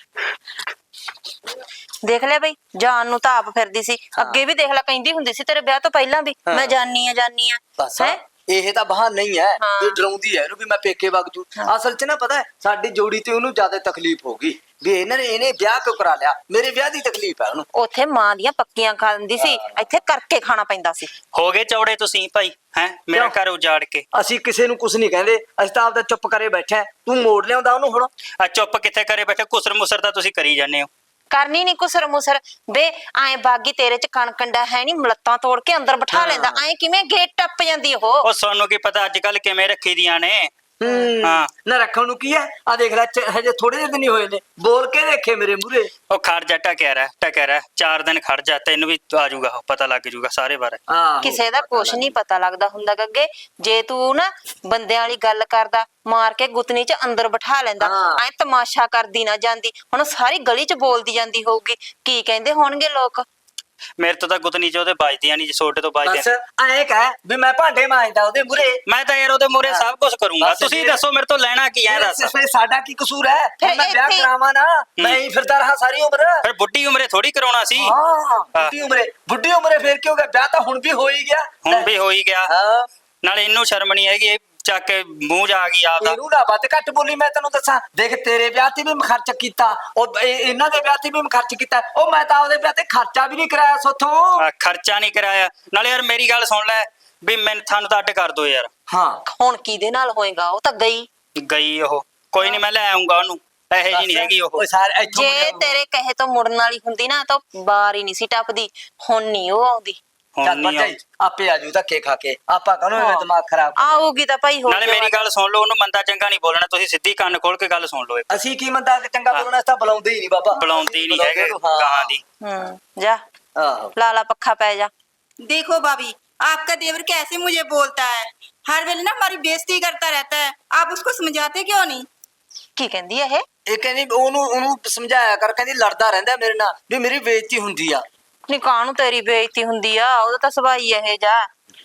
Speaker 2: ਦੇਖ ਲਿਆ ਬਈ, ਜਾਨ ਨੂੰ ਤਾਂ ਆਪ ਫਿਰਦੀ ਸੀ। ਅੱਗੇ ਵੀ ਦੇਖ ਲੈ, ਕਹਿੰਦੀ ਹੁੰਦੀ ਸੀ ਤੇਰੇ ਵਿਆਹ ਤੋਂ ਪਹਿਲਾਂ ਵੀ, ਮੈਂ ਜਾਨੀ ਆ ਜਾਨੀ ਆ।
Speaker 4: ਬਸ
Speaker 2: ਹੈ
Speaker 4: ਇਹ ਤਾਂ ਬਹਾਨਾ ਹੀ ਹੈ,
Speaker 2: ਹਾਂ।
Speaker 4: ਇਹ ਡਰਾਉਂਦੀ ਹੈ ਇਹਨੂੰ ਵੀ ਮੈਂ ਪੇਕੇ ਵਗ ਜੂ। ਅਸਲ 'ਚ ਨਾ ਪਤਾ ਹੈ, ਸਾਡੀ ਜੋੜੀ ਤੇ ਉਹਨੂੰ ਜ਼ਿਆਦਾ ਤਕਲੀਫ ਹੋ ਗਈ ਵੀ ਇਹਨਾਂ ਨੇ ਇਹਨੇ ਵਿਆਹ ਕਿਉਂ ਕਰਾ ਲਿਆ। ਮੇਰੇ ਵਿਆਹ ਦੀ ਤਕਲੀਫ ਹੈ ਉਹਨੂੰ।
Speaker 2: ਉੱਥੇ ਮਾਂ ਦੀਆਂ ਪੱਕੀਆਂ ਖਾਂਦੀ ਸੀ, ਇੱਥੇ ਕਰਕੇ ਖਾਣਾ ਪੈਂਦਾ ਸੀ।
Speaker 6: ਹੋ ਗਏ ਚੌੜੇ ਤੁਸੀਂ ਭਾਈ, ਹੈ ਮੇਰਾ
Speaker 4: ਕਿਉਂ?
Speaker 6: ਘਰ ਉਜਾੜ ਕੇ।
Speaker 4: ਅਸੀਂ ਕਿਸੇ ਨੂੰ ਕੁਝ ਨਹੀਂ ਕਹਿੰਦੇ, ਅਸੀਂ ਤਾਂ ਆਪਦਾ ਚੁੱਪ ਕਰੇ ਬੈਠੇ ਹਾਂ। ਤੂੰ ਮੋੜ ਲਿਆਉਂਦਾ ਉਹਨੂੰ ਹੁਣ।
Speaker 6: ਆ ਚੁੱਪ ਕਿੱਥੇ ਕਰੇ ਬੈਠੇ, ਕੁਸਰ ਮੁਸਰ ਤਾਂ ਤੁਸੀਂ ਕਰੀ ਜਾਂਦੇ ਹੋ।
Speaker 2: ਕਰਨੀ ਨੀ ਕੁਸਰ ਮੁਸਰ ਬੇ। ਐ ਬਾਗੀ ਤੇਰੇ ਚ ਕਣਕੰਡਾ ਹੈ ਨੀ, ਮਲੱਤਾਂ ਤੋੜ ਕੇ ਅੰਦਰ ਬਿਠਾ ਲੈਂਦਾ। ਐ ਕਿਵੇਂ ਗੇਟ ਟੱਪ ਜਾਂਦੀ ਉਹ?
Speaker 6: ਉਹ ਸਾਨੂੰ ਕੀ ਪਤਾ ਅੱਜ ਕੱਲ ਕਿਵੇਂ ਰੱਖੀ ਦੀਆਂ ਨੇ।
Speaker 4: ਹੂੰ
Speaker 6: ਹਾਂ।
Speaker 4: ਨਾ ਰੱਖਣ ਨੂੰ ਕੀ ਹੈ? ਆ ਦੇਖ ਲੈ, ਚ- ਹਜੇ ਥੋੜੇ ਜਿਹੇ ਦਿਨ ਹੀ ਹੋਏ ਨੇ, ਬੋਲ ਕੇ ਦੇਖੇ ਮੇਰੇ ਮੂਹਰੇ।
Speaker 6: ਉਹ ਖੜ ਜਾ, ਟਕਿਆ ਰਹਿ ਟਕਿਆ ਰਹਿ, ਚਾਰ ਦਿਨ ਖੜ ਜਾ, ਤੈਨੂੰ ਵੀ ਆ ਜਾਊਗਾ, ਪਤਾ ਲੱਗ ਜਾਊਗਾ ਸਾਰੇ ਬਾਰੇ।
Speaker 4: ਆਹੋ।
Speaker 2: ਕਿਸੇ ਦਾ ਕੁਛ ਨਹੀਂ ਪਤਾ ਲੱਗਦਾ ਹੁੰਦਾ ਗੱਗੇ। ਜੇ ਤੂੰ ਨਾ ਬੰਦਿਆਂ ਵਾਲੀ ਗੱਲ ਕਰਦਾ, ਮਾਰ ਕੇ ਗੁੱਤਨੀ ਚ ਅੰਦਰ ਬਿਠਾ ਲੈਂਦਾ।
Speaker 4: ਹਾਂ।
Speaker 2: ਐ ਤਮਾਸ਼ਾ ਕਰਦੀ ਨਾ ਜਾਂਦੀ, ਹੁਣ ਸਾਰੀ ਗਲੀ ਚ ਬੋਲਦੀ ਜਾਂਦੀ ਹੋਊਗੀ, ਕੀ ਕਹਿੰਦੇ ਹੋਣਗੇ ਲੋਕ?
Speaker 6: ਮੇਰੇ ਤੋਂ ਤਾਂ ਗੁੱਤਨੀ ਚ ਉਹਦੇ ਵੱਜਦੀਆਂ ਨਹੀਂ, ਛੋਟੇ ਤੋਂ
Speaker 4: ਬਸ
Speaker 6: ਵੱਜਦੀਆਂ ਨੇ।
Speaker 4: ਐਂ ਕਹਿ ਵੀ ਮੈਂ ਭਾਂਡੇ ਮਾਂਜਦਾ ਉਹਦੇ ਮੂਹਰੇ।
Speaker 6: ਮੈਂ ਤਾਂ ਯਾਰ ਉਹਦੇ ਮੂਹਰੇ
Speaker 4: ਹਾਂ।
Speaker 6: ਸਭ ਕੁਝ ਕਰੂੰਗਾ।
Speaker 4: ਬਸ
Speaker 6: ਤੁਸੀਂ
Speaker 4: ਫਿਰ-
Speaker 6: ਦੱਸੋ ਮੇਰੇ ਤੋਂ ਲੈਣਾ ਕੀ ਹੈ? ਦੱਸ।
Speaker 4: ਫਿਰ ਸਾਡਾ ਕੀ ਕਸੂਰ ਹੈ?
Speaker 2: ਫਿਰ
Speaker 4: ਮੈਂ ਵਿਆਹ
Speaker 2: ਇੱਥੇ-
Speaker 4: ਕਰਾਵਾਂ ਨਾ, ਮੈਂ ਹੀ ਫਿਰਦਾ ਰਹਾ ਸਾਰੀ ਉਮਰ।
Speaker 6: ਫਿਰ ਬੁੱਢੀ ਉਮਰੇ ਥੋੜੀ ਕਰਾਉਣਾ ਸੀ।
Speaker 4: ਹਾਂ ਬੁੱਢੀ ਉਮਰੇ, ਬੁੱਢੀ ਉਮਰੇ ਫੇਰ ਕੀ ਹੋ ਗਿਆ? ਵਿਆਹ ਤਾਂ ਹੁਣ ਵੀ ਹੋ ਹੀ ਗਿਆ।
Speaker 6: ਹੁਣ ਵੀ ਹੋ ਹੀ ਗਿਆ।
Speaker 4: ਹਾਂ।
Speaker 6: ਨਾਲੇ ਇਹਨੂੰ ਸ਼ਰਮ ਨਹੀਂ ਹੈਗੀ, ਇਹ ਚੱਕ ਕੇ ਮੂੰਹ ਜਾ ਆ ਗਈ ਆਪਦਾ।
Speaker 4: ਇਹਨੂੰ ਨਾ ਵੱਧ ਘੱਟ ਬੋਲੀ, ਮੈਂ ਤੈਨੂੰ ਦੱਸਾਂ। ਦੇਖ ਤੇਰੇ ਵਿਆਹ ਤੇ ਵੀ ਮੈਂ ਖਰਚ ਕੀਤਾ, ਉਹ ਇਹ- ਇਹਨਾਂ ਦੇ ਵਿਆਹ ਤੇ ਵੀ ਮੈਂ ਖਰਚ ਕੀਤਾ। ਉਹ ਮੈਂ ਤਾਂ ਉਹਦੇ ਵਿਆਹ ਤੇ ਖਰਚਾ ਵੀ ਨਹੀਂ ਕਰਾਇਆ ਸੋਥੋਂ।
Speaker 6: ਆ, ਖਰਚਾ ਨਹੀਂ ਕਰਾਇਆ। ਨਾਲੇ ਯਾਰ ਮੇਰੀ ਗੱਲ ਸੁਣ ਲੈ ਵੀ ਮੈਨੂੰ ਤੁਹਾਨੂੰ ਤਾਂ ਅੱਡ ਕਰ ਦੋ ਯਾਰ।
Speaker 4: ਹਾਂ
Speaker 2: ਹੁਣ ਕਿਹਦੇ ਨਾਲ ਹੋਏਗਾ? ਉਹ ਤਾਂ ਗਈ।
Speaker 6: ਗਈ ਉਹ, ਕੋਈ ਨਹੀਂ ਮੈਂ ਲੈ ਆਉਂਗਾ ਉਹਨੂੰ। ਇਹੋ ਜਿਹੀ ਨਹੀਂ ਹੈਗੀ ਉਹ।
Speaker 4: ਓਏ ਸਾਰੇ ਇੱਥੋਂ
Speaker 2: ਜੇ
Speaker 4: ਮੁੜਿਆ-
Speaker 2: ਤੇਰੇ ਕਹੇ ਤੋਂ ਮੁੜਨ ਵਾਲੀ ਹੁੰਦੀ ਨਾ ਤਾਂ ਬਾਹਰ ਹੀ ਨਹੀਂ ਸੀ ਟੱਪਦੀ। ਹੁਣ ਨਹੀਂ ਉਹ ਆਉਂਦੀ।
Speaker 6: ਹੁਣ
Speaker 4: ਚੱਲ
Speaker 6: ਨਹੀਂ
Speaker 4: ਭਰਜਾਈ, ਆਪੇ ਆਜੂ ਧੱਕੇ ਖਾ ਕੇ। ਆਪਾਂ ਕਾਹਨੂੰ ਐਵੇਂ
Speaker 2: ਹਾਂ।
Speaker 4: ਦਿਮਾਗ ਖਰਾਬ ਕਰ-
Speaker 2: ਆਊਗੀ ਤਾਂ ਭਾਈ ਹੋ
Speaker 6: ਨਾਲੇ ਮੇਰੀ ਗੱਲ ਸੁਣ ਲਓ, ਉਹਨੂੰ ਮੰਦਾ ਚੰਗਾ ਨਹੀਂ ਬੋਲਣਾ। ਤੁਸੀਂ ਸਿੱਧੀ ਕੰਨ ਖੋਲ ਕੇ ਗੱਲ ਸੁਣ ਲਓ। ਇੱਕ
Speaker 4: ਅਸੀਂ ਕੀ ਮੰਦਾ ਚੰਗਾ ਬੋਲਣਾ, ਇਸ ਤਾਂ ਬੁਲਾਉਂਦੇ ਹੀ ਨਹੀਂ ਬਾਬਾ।
Speaker 6: ਬੁਲਾਉਂਦੀ ਨਹੀਂ ਹੈਗੇ
Speaker 4: ਹਾਂ।
Speaker 6: ਗਾਂ ਦੀ।
Speaker 2: ਹੂੰ ਜਾ
Speaker 4: ਆਹੋ।
Speaker 2: ਲਾਲਾ पक्खा पै जा।
Speaker 3: देखो भाभी, आपका देवर कैसे मुझे बोलता है, हर वेले ना हमारी बेइज्जती करता रहता है। आप उसको समझाते क्यों नहीं?
Speaker 2: ਕੀ ਕਹਿੰਦੀ ਹੈ ਇਹ?
Speaker 4: ਇਹ ਕਹਿੰਦੀ ਉਹਨੂੰ ਉਹਨੂੰ ਸਮਝਾਇਆ ਕਰ, ਕਹਿੰਦੀ ਲੜਦਾ ਰਹਿੰਦਾ ਮੇਰੇ ਨਾਲ ਵੀ ਮੇਰੀ ਬੇਇੱਜ਼ਤੀ ਹੁੰਦੀ ਆ।
Speaker 2: ਨੀ ਕਾਹਨੂੰ ਤੇਰੀ ਬੇਇੱਜ਼ਤੀ ਹੁੰਦੀ ਆ? ਉਹਦਾ ਤਾਂ ਸੁਭਾਅ ਹੀ ਇਹ ਜਾ।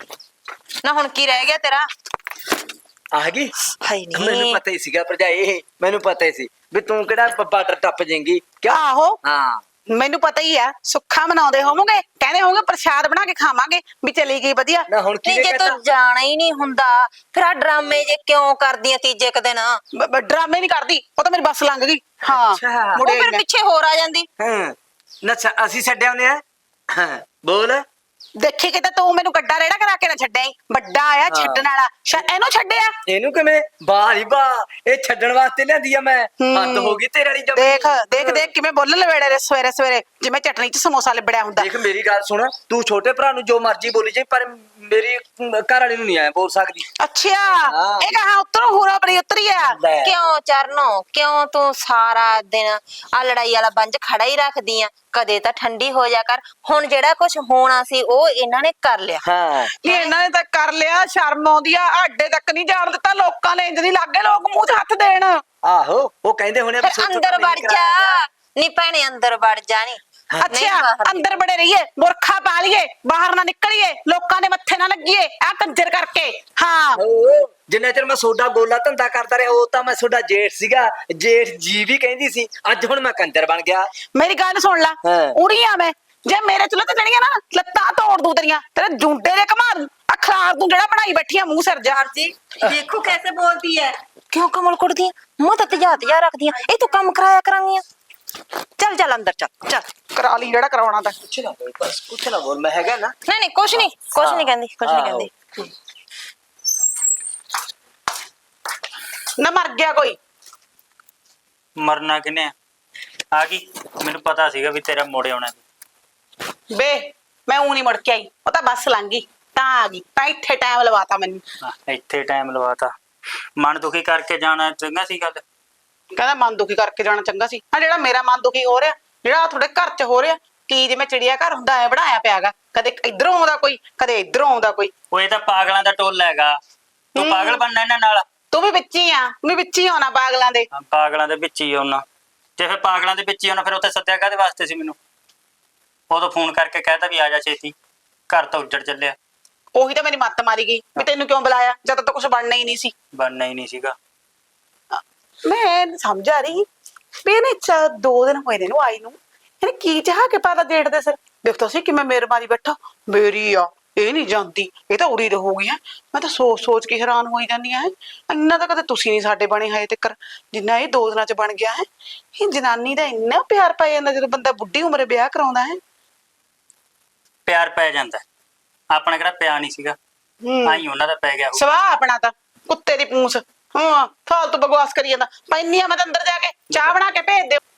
Speaker 2: ਨਾ ਹੁਣ ਕੀ ਰਹਿ ਗਿਆ ਤੇਰਾ?
Speaker 4: ਆ ਗਈ।
Speaker 2: ਹਾਈ
Speaker 4: ਮੈਨੂੰ
Speaker 2: ਨਹੀਂ
Speaker 4: ਪਤਾ ਹੀ ਸੀਗਾ ਭਰਜਾਈ, ਇਹ ਮੈਨੂੰ ਪਤਾ ਹੀ ਸੀ ਵੀ ਤੂੰ ਕਿਹੜਾ ਬਾਰਡਰ ਟੱਪ ਜਾਏਂਗੀ। ਕਿਉਂ?
Speaker 1: ਆਹੋ
Speaker 4: ਹਾਂ
Speaker 1: ਮੈਨੂੰ ਪਤਾ ਹੀ ਆ। ਸੁੱਖਾ ਮਨਾਉਂਦੇ ਹੋਵੋਗੇ, ਕਹਿੰਦੇ ਹੋਵੋਗੇ ਪ੍ਰਸ਼ਾਦ ਬਣਾ ਕੇ ਖਾਵਾਂਗੇ, ਵੀ ਚਲੀ ਗਈ ਵਧੀਆ।
Speaker 4: ਨਾ ਹੁਣ
Speaker 2: ਨਹੀਂ
Speaker 4: ਕੀ
Speaker 2: ਜੇ
Speaker 4: ਕਹਤਾ?
Speaker 2: ਤੂੰ ਜਾਣਾ ਹੀ ਨਹੀਂ ਹੁੰਦਾ ਫਿਰ ਆ ਡਰਾਮੇ ਜੇ ਕਿਉਂ ਕਰਦੀਆਂ ਤੀਜੇ ਕੁ ਦਿਨ? ਉਹ
Speaker 1: ਬ- ਬ- ਡਰਾਮੇ ਨਹੀਂ ਕਰਦੀ, ਉਹ ਤਾਂ ਮੇਰੀ ਬੱਸ ਲੰਘ ਗਈ। ਹਾਂ
Speaker 4: ਅੱਛਾ।
Speaker 1: ਮੁੜੇ
Speaker 2: ਫਿਰ
Speaker 1: ਮੈਂ
Speaker 2: ਪਿੱਛੇ ਹੋਰ ਆ ਜਾਂਦੀ।
Speaker 4: ਹਾਂ ਨਾ ਛ- ਅਸੀਂ ਛੱਡਿਆ ਉਹਨੇ ਆ। ਹਾਂ ਬੋਲ।
Speaker 1: ਦੇਖੀ ਕਿਤੇ ਤੂੰ ਮੈਨੂੰ ਗੱਡਾ ਰੇੜਾ ਕਰਾ ਕੇ ਨਾ ਛੱਡਿਆ ਈ। ਵੱਡਾ ਆਇਆ
Speaker 4: ਹਾਂ।
Speaker 1: ਛੱਡਣ ਵਾਲਾ, ਸ਼ਾ ਇਹਨੂੰ ਛੱਡਿਆ।
Speaker 4: ਇਹਨੂੰ ਕਿਵੇਂ? ਵਾਹ ਹੀ ਵਾਹ, ਇਹ ਛੱਡਣ ਵਾਸਤੇ ਲਿਆਂਦੀ ਆ ਮੈਂ। ਹੱਦ ਹੋ ਗਈ ਤੇਰੇ ਵਾਲੀ ਜਮੀ।
Speaker 1: ਦੇਖ ਦੇਖ ਦੇਖ ਕਿਵੇਂ ਬੋਲਣ ਲਵੇੜੇ ਨੇ ਸਵੇਰੇ ਸਵੇਰੇ, ਜਿਵੇਂ ਚਟਨੀ ਚ ਸਮੋਸਾ ਲਿਬੜਿਆ ਹੁੰਦਾ।
Speaker 4: ਦੇਖ ਮੇਰੀ ਗੱਲ ਸੁਣ, ਤੂੰ ਛੋਟੇ ਭਰਾ ਨੂੰ ਜੋ ਮਰਜ਼ੀ ਬੋਲੀ ਜਾਏ, ਪਰ ਮੇਰੀ ਘਰ ਵਾਲੀ ਨੂੰ ਨਹੀਂ ਆਇਆ ਬੋਲ ਸਕਦੀ।
Speaker 1: ਅੱਛਾ
Speaker 4: ਹਾਂ।
Speaker 1: ਇਹ ਕਹਾ ਉੱਤਰੋਂ ਹੂਰਾ ਪਰੀ ਉਤਰੀ ਆ।
Speaker 4: ਲੈ।
Speaker 2: ਕਿਉਂ ਚਰਨੋ, ਕਿਉਂ ਤੂੰ ਸਾਰਾ ਦਿਨ ਆ ਲੜਾਈ ਵਾਲਾ ਬੰਜ ਖੜਾ ਹੀ ਰੱਖਦੀ ਆ? ਕਦੇ ਤਾਂ ਠੰਡੀ ਹੋ ਜਾ ਕਰ। ਹੁਣ ਜਿਹੜਾ ਕੁਝ ਹੋਣਾ ਸੀ ਉਹ ਇਹਨਾਂ ਨੇ ਕਰ ਲਿਆ।
Speaker 4: ਹਾਂ
Speaker 1: ਨਹੀਂ ਇਹਨਾਂ ਨੇ ਤਾਂ ਕਰ ਲਿਆ, ਸ਼ਰਮ ਆਉਂਦੀ ਆ। ਆਡੇ ਤੱਕ ਨਹੀਂ ਜਾਣ ਦਿੱਤਾ ਲੋਕਾਂ ਨੇ, ਇੰਜ ਨਹੀਂ ਲੱਗੇ ਲੋਕ ਮੂੰਹ 'ਚ ਹੱਥ ਦੇਣ।
Speaker 4: ਆਹੋ ਉਹ ਕਹਿੰਦੇ ਹੋਣੇ
Speaker 2: ਫਿਰ ਅੰਦਰ ਵੜ ਜਾ। ਨੀ ਭੈਣੇ ਅੰਦਰ ਵੜ ਜਾ। ਨੀ
Speaker 1: ਅੱਛਾ ਅੰਦਰ ਬੜੇ ਰਹੀਏ, ਮੁਰਖਾ ਪਾ ਲਈਏ, ਬਾਹਰ ਨਾ ਨਿਕਲੀਏ, ਲੋਕਾਂ ਦੇ ਮੱਥੇ ਨਾ ਲੱਗੀਏ ਆ ਕੰਜਰ ਕਰਕੇ। ਹਾਂ
Speaker 4: ਜਿੰਨੇ ਚਿਰ ਮੈਂ ਸੋਡਾ ਗੋਲਾ ਧੰਦਾ ਕਰਦਾ ਰਿਹਾ, ਉਹ ਤਾਂ ਮੈਂ ਸੋਡਾ ਜੇਠ ਸੀਗਾ, ਜੇਠ ਜੀ ਵੀ ਕਹਿੰਦੀ ਸੀ। ਅੱਜ ਹੁਣ ਮੈਂ ਕੰਜਰ ਬਣ ਗਿਆ।
Speaker 1: ਮੇਰੀ ਗੱਲ ਸੁਣ ਲੈ,
Speaker 4: ਹਾਂ।
Speaker 1: ਉਰੀ ਆ ਮੈਂ, ਜੇ ਮੇਰੇ ਚੁੱਲ੍ਹੇ ਤੇ ਚੜੀਆਂ ਨਾ ਲੱਤਾਂ ਤੋੜ ਦੂ ਤੇਰੀਆਂ, ਤੇਰੇ ਜੁੰਡੇ ਦੇ ਘਮਾ ਦੂ। ਅਖਲਾਰ ਤੂੰ ਜਿਹੜਾ ਬਣਾਈ ਬੈਠੀ ਆ ਮੂੰਹ ਸਿਰ ਜਾ।
Speaker 3: जी देखो कैसे बोलती है।
Speaker 2: ਕਿਉਂ ਕਮਲ ਕੁੜਦੀਆਂ ਮੂੰਹ ਤੇ ਤਜਾ ਤਜਾ ਰੱਖਦੀਆਂ? ਇਹ ਤੂੰ ਕੰਮ ਕਰਾਇਆ ਕਰਾਂਗੀਆਂ। ਚੱਲ ਚੱਲ ਅੰਦਰ ਚੱਲ ਚੱਲ।
Speaker 1: ਕਰਾ ਲਈ ਜਿਹੜਾ ਕਰਾਉਣਾ ਤਾਂ।
Speaker 4: ਕੁਛ ਨਾ ਬੋਲ, ਬਸ ਕੁਛ ਨਾ ਬੋਲ, ਮੈਂ ਹੈਗਾ ਨਾ।
Speaker 2: ਨਹੀਂ ਨਹੀਂ ਕੁਛ ਨਹੀਂ ਕੁਛ ਨਹੀਂ ਕਹਿੰਦੀ ਕੁਛ ਨਹੀਂ
Speaker 4: ਆਹੋ।
Speaker 2: ਕਹਿੰਦੀ।
Speaker 1: ਨਾ ਮਰ ਗਿਆ ਕੋਈ।
Speaker 6: ਮਰਨਾ ਕਿਨੇ ਆ ਗਈ? ਮੈਨੂੰ ਪਤਾ ਸੀਗਾ ਵੀ ਤੇਰਾ ਮੋੜੇ ਆਉਣਾ।
Speaker 1: ਬੇ ਮੈਂ ਊਂ ਨਹੀਂ ਮੁੜ ਕੇ ਆਈ, ਉਹ ਤਾਂ ਬੱਸ ਲੰਘ ਗਈ। ਤਾਂ ਆ ਗਈ ਤਾਂ ਇੱਥੇ ਟਾਈਮ ਲਵਾਤਾ ਮੈਨੂੰ।
Speaker 6: ਹਾਂ, ਇੱਥੇ ਟਾਈਮ ਲਵਾਤਾ। ਮਨ ਦੁਖੀ ਕਰਕੇ ਜਾਣਾ ਚੰਗਾ ਸੀ ਗੱਲ।
Speaker 1: ਕਹਿੰਦਾ ਮਨ ਦੁਖੀ ਕਰਕੇ ਜਾਣਾ ਚੰਗਾ ਸੀ। ਆ ਜਿਹੜਾ ਮੇਰਾ ਮਨ ਦੁਖੀ ਹੋ ਰਿਹਾ, ਜਿਹੜਾ ਤੁਹਾਡੇ ਘਰ 'ਚ ਹੋ ਰਿਹਾ, ਕੀ ਜਿਵੇਂ ਚਿੜੀਆ ਘਰ ਹੁੰਦਾ ਐ ਬਣਾਇਆ ਪਿਆਗਾ, ਕਦੇ ਇਧਰੋਂ ਆਉਂਦਾ ਕੋਈ, ਕਦੇ ਇਧਰੋਂ ਆਉਂਦਾ ਕੋਈ।
Speaker 6: ਉਹ ਇਹ ਤਾਂ ਪਾਗਲਾਂ ਦਾ ਟੋਲਾ ਹੈਗਾ। ਤੂੰ
Speaker 1: ਹੂੰ।
Speaker 6: ਪਾਗਲ ਬਣਨਾ ਇਹਨਾਂ ਨਾਲ।
Speaker 1: ਤੂੰ ਵੀ ਵਿੱਚ ਹੀ ਆ, ਤੂੰ ਵੀ ਵਿੱਚ ਹੀ ਆਉਣਾ ਪਾਗਲਾਂ ਦੇ।
Speaker 6: ਹਾਂ, ਪਾਗਲਾਂ ਦੇ ਵਿੱਚ ਹੀ ਆਉਣਾ। ਤੇ ਫਿਰ ਪਾਗਲਾਂ ਦੇ ਵਿੱਚ ਹੀ ਆਉਣਾ, ਫਿਰ ਉੱਥੇ ਸੱਦਿਆ ਕਾਹਦੇ ਵਾਸਤੇ ਸੀ ਮੈਨੂੰ? ਉਦੋਂ ਫੋਨ ਕਰਕੇ ਕਹਿਤਾ ਵੀ ਆ ਜਾ ਛੇਤੀ, ਘਰ ਤਾਂ ਉੱਜੜ ਚੱਲਿਆ।
Speaker 1: ਉਹੀ ਤਾਂ ਮੇਰੀ ਮੱਤ ਮਾਰੀ ਗਈ ਵੀ ਤੈਨੂੰ ਕਿਉਂ ਬੁਲਾਇਆ, ਜਦ ਤੱਕ ਕੁਝ ਬਣਨਾ ਹੀ ਨਹੀਂ ਸੀ।
Speaker 6: ਬਣਨਾ ਹੀ ਨਹੀਂ ਸੀਗਾ।
Speaker 1: ਮੈਂ ਨੀ ਸਮਝ ਆ ਰਹੀ ਵੀ ਇਹਨੇ ਚਾ ਦੋ ਦਿਨ ਹੋਏ ਨੇ ਨੂੰ ਆਈ ਨੂੰ, ਇਹਨੇ ਕੀ ਚਾਹ ਕੇ ਪਾਦਾ ਜੇਠ ਦੇ ਸਿਰ। ਦੇਖਦਾ ਸੀ ਕਿ ਮੈਂ ਮੇਰੇ ਮਾਰੀ ਬੈਠਾ, ਮੇਰੀ ਆ ਇਹ ਨਹੀਂ ਜਾਂਦੀ, ਇਹ ਤਾਂ ਉਰੀ ਰਹੂਗੀ। ਹੈ ਮੈਂ ਤਾਂ ਸੋਚ ਸੋਚ ਕੇ ਹੈਰਾਨ ਹੋਈ ਜਾਂਦੀ ਹੈ, ਇੰਨਾ ਤਾਂ ਕਦੇ ਤੁਸੀਂ ਨਹੀਂ ਸਾਡੇ ਬਣੇ ਹਜੇ ਤੱਕ ਜਿੰਨਾ ਇਹ ਦੋ ਦਿਨਾਂ ਚ ਬਣ ਗਿਆ ਹੈ। ਇਹ ਜਨਾਨੀ ਦਾ ਇੰਨਾ ਪਿਆਰ ਪੈ ਜਾਂਦਾ ਜਦੋਂ ਬੰਦਾ ਬੁੱਢੀ ਉਮਰੇ ਵਿਆਹ ਕਰਾਉਂਦਾ ਹੈ।
Speaker 6: ਪਿਆਰ ਪੈ ਜਾਂਦਾ, ਆਪਣਾ ਕਿਹੜਾ ਪਿਆ ਨਹੀਂ ਸੀਗਾ, ਆਈ ਉਹਨਾਂ ਦਾ ਪੈ ਗਿਆ ਹੋਊ।
Speaker 1: ਸਵਾਹ ਆਪਣਾ ਤਾਂ ਕੁੱਤੇ ਦੀ ਪੂੰਛ। ਹਾਂ ਫਾਲਤੂ ਬਕਵਾਸ ਕਰੀ ਜਾਂਦਾ। ਪੈਨੀ ਆ ਮੈਂ ਤਾਂ ਅੰਦਰ ਜਾ ਕੇ ਚਾਹ ਬਣਾ ਕੇ ਭੇਜ ਦਿਓ।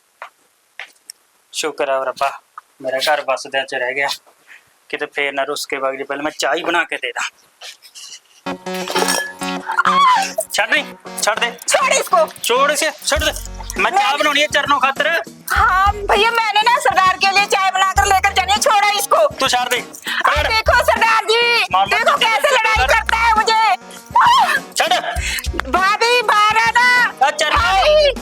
Speaker 6: ਸ਼ੁਕਰ ਆ ਰੱਬਾ, ਮੇਰਾ ਘਰ ਵਸਦਿਆਂ ਚ ਰਹਿ ਗਿਆ। ਕਿਤੇ ਫੇਰ ਨਾ ਰੁੱਸ ਕੇ ਵਗ ਜੇ। ਪਹਿਲਾਂ ਮੈਂ ਚਾਹ ਹੀ ਬਣਾ ਕੇ ਦੇ ਦਾਂ। ਛੱਡ ਨਹੀਂ, ਛੱਡ ਦੇ।
Speaker 7: छोड़ इसको।
Speaker 6: छोड़ इसे, छोड़ दे। मैं चाय बनानी है चरणों खातिर।
Speaker 7: हाँ भैया, मैंने ना सरदार के लिए चाय बनाकर लेकर जानी है, छोड़ा इसको।
Speaker 6: तू छोड़ दे।
Speaker 7: अरे देखो सरदार जी,
Speaker 6: मामा
Speaker 7: देखो
Speaker 6: जी,
Speaker 7: कैसे लड़ाई
Speaker 6: कर।
Speaker 7: करता है मुझे।
Speaker 6: छोड़।
Speaker 7: भाभी बाहर आना।
Speaker 6: अच्छा।
Speaker 7: भाभी,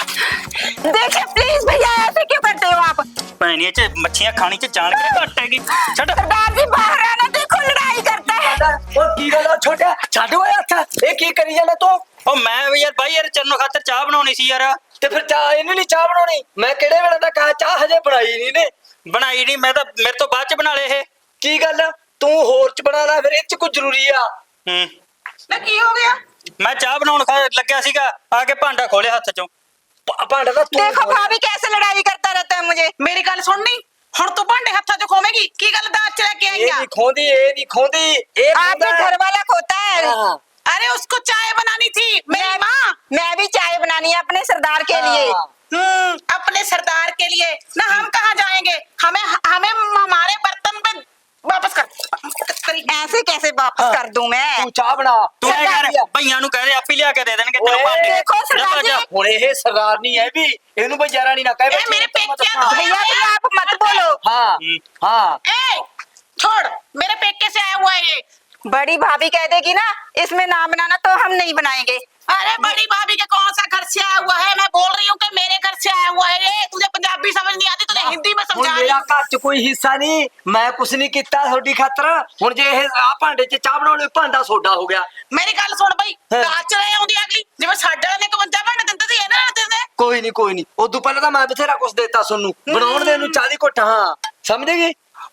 Speaker 7: देखिए प्लीज भैया, ऐसे क्यों करते हो आप?
Speaker 6: भैनी च मच्छियां खानी च जान के कटेगी। छोड़।
Speaker 7: सरदार जी बाहर आना, देखो लड़ाई करता है।
Speaker 4: ਉਹ ਕੀ ਗੱਲ ਆ ਛੋਟਿਆ, ਛੱਡ ਓਏ ਹੱਥ। ਇਹ ਕੀ ਕਰੀ ਜਾਂਦਾ ਤੂੰ?
Speaker 6: ओ मैं भी यार भाई यार चरणों खातिर चाह बनानी सी यार।
Speaker 4: ਤੇ ਫਿਰ ਚਾਹ ਇਹਨੂੰ ਨਹੀਂ ਚਾਹ ਬਣਾਉਣੀ? ਮੈਂ ਕਿਹੜੇ ਵੇਲੇ ਦਾ ਕਹਾ ਚਾਹ ਹਜੇ ਬਣਾਈ ਨਹੀਂ ਨੇ।
Speaker 6: बनाई नहीं, मैं तो मेरे तो बाद च बना ले ये।
Speaker 4: ਕੀ ਗੱਲ ਆ? ਤੂੰ ਹੋਰ ਚ ਬਣਾ ਲੈ, ਫਿਰ ਇਹ ਚ ਕੁਝ ਜ਼ਰੂਰੀ ਆ।
Speaker 6: हम्म।
Speaker 1: ਨਾ ਕੀ ਹੋ ਗਿਆ?
Speaker 6: मैं चाह बनाउण खा लग्या सीगा, आके भांडा खोले हत्थ चों।
Speaker 4: ਭਾ- ਭਾਂਡਾ ਤਾਂ ਤੂੰ
Speaker 7: देखो
Speaker 4: ਖੋਲ।
Speaker 7: भाभी कैसे लड़ाई करता रहता है मुझे।
Speaker 1: ਮੇਰੀ ਗੱਲ ਸੁਣਨੀ, ਹੁਣ ਤੂੰ ਭਾਂਡੇ ਹੱਥਾਂ 'ਚ ਖੋਵੇਂਗੀ। ਕੀ ਗੱਲ ਦਾਜ ਚ ਲੈ ਕੇ ਆਈ
Speaker 4: ਇਹ
Speaker 1: ਆ?
Speaker 4: ਨਹੀਂ ਖੋਂਦੀ, ਇਹ ਨਹੀਂ ਖੋਂਦੀ, ਇਹ
Speaker 7: आपके
Speaker 4: ਖੋਂਦਾ।
Speaker 7: घर वाला खोता है।
Speaker 4: हाँ।
Speaker 1: अरे उसको चाय बनानी थी मेरी
Speaker 7: मैं-
Speaker 1: माँ।
Speaker 7: मैं भी चाय बनानी है अपने सरदार के लिए।
Speaker 4: हाँ।
Speaker 1: हम्म, अपने सरदार के लिए ना। हम कहाँ जाएंगे? हमें हमें हमारे बर्तन पे वापस कर करी।
Speaker 7: ऐसे कैसे वापस
Speaker 4: हाँ।
Speaker 7: कर दूं मैं?
Speaker 4: ਤੂੰ ਚਾਹ ਬਣਾ।
Speaker 6: तू ऐ
Speaker 7: सरदार
Speaker 6: कर भैया नु कह दे आप ही लिया के दे देणगे तेरे
Speaker 4: ओए,
Speaker 6: भांडे।
Speaker 7: देखो
Speaker 6: जा
Speaker 7: सरदार
Speaker 6: जा।
Speaker 7: जी।
Speaker 4: ਹੁਣ ਇਹ ਸਰਦਾਰ ਨਹੀਂ ਹੈ ਵੀ ਇਹਨੂੰ ਬਜਾਰਾ ਨਹੀਂ ਨਾ ਕਹੇ।
Speaker 1: ए, मेरे पेकिया तो आया
Speaker 7: भैया
Speaker 1: हुआ
Speaker 7: भी
Speaker 1: है।
Speaker 7: आप मत बोलो।
Speaker 4: हाँ
Speaker 6: हम्म।
Speaker 4: हाँ।
Speaker 1: ए, छोड़, मेरे पेके से आया हुआ है ये।
Speaker 7: बड़ी भाभी कह देगी ना इसमें ना बनाना तो हम नहीं बनाएंगे।
Speaker 1: अरे बड़ी भाभी के कौन सा घर से आया हुआ है? मैं बोल रही हूँ कि मेरे घर से आया हुआ है ये। तुझे पंजाबी समझ नहीं आती, तुझे हिंदी में
Speaker 4: ਹੁਣ
Speaker 1: समझा रही
Speaker 4: ਮੇਰਾ
Speaker 1: हूँ।
Speaker 4: ਘਰ ਚ ਕੋਈ ਹਿੱਸਾ ਨਹੀਂ, ਮੈਂ ਕੁਛ ਨਹੀਂ ਕੀਤਾ ਤੁਹਾਡੀ ਖਾਤਰ। ਹੁਣ ਜੇ ਇਹ ਆ ਭਾਂਡੇ ਚ ਚਾਹ ਬਣਾਉਣੇ, ਭਾਂਡਾ ਸੋਡਾ ਹੋ ਗਿਆ।
Speaker 1: मेरी गल सुन बई,
Speaker 4: हाँ।
Speaker 1: दाज ਚ ਲੈ ਆਉਂਦੀ ਅਗਲੀ, ਜਿਵੇਂ ਸਾਡੇ ਵਾਲੇ ਨੇ ਇਕਵੰਜਾ ਭਾਂਡੇ ਦਿੰਦੇ ਸੀ, ਇਹਨਾਂ ਨੇ ਦਿੰਦੇ।
Speaker 4: ਕੋਈ ਨਹੀਂ ਕੋਈ ਨਹੀਂ, ਉਦੋਂ ਪਹਿਲਾਂ ਤਾਂ ਮੈਂ ਬਥੇਰਾ ਕੁਛ ਦੇਤਾ ਸੋਨੂੰ ਬਣਾਉਣ ਦੇ ਨੂੰ। ਚਾਹ ਦੀ ਘੁੱਟ। ਹਾਂ ਸਮਝ ਗਈ।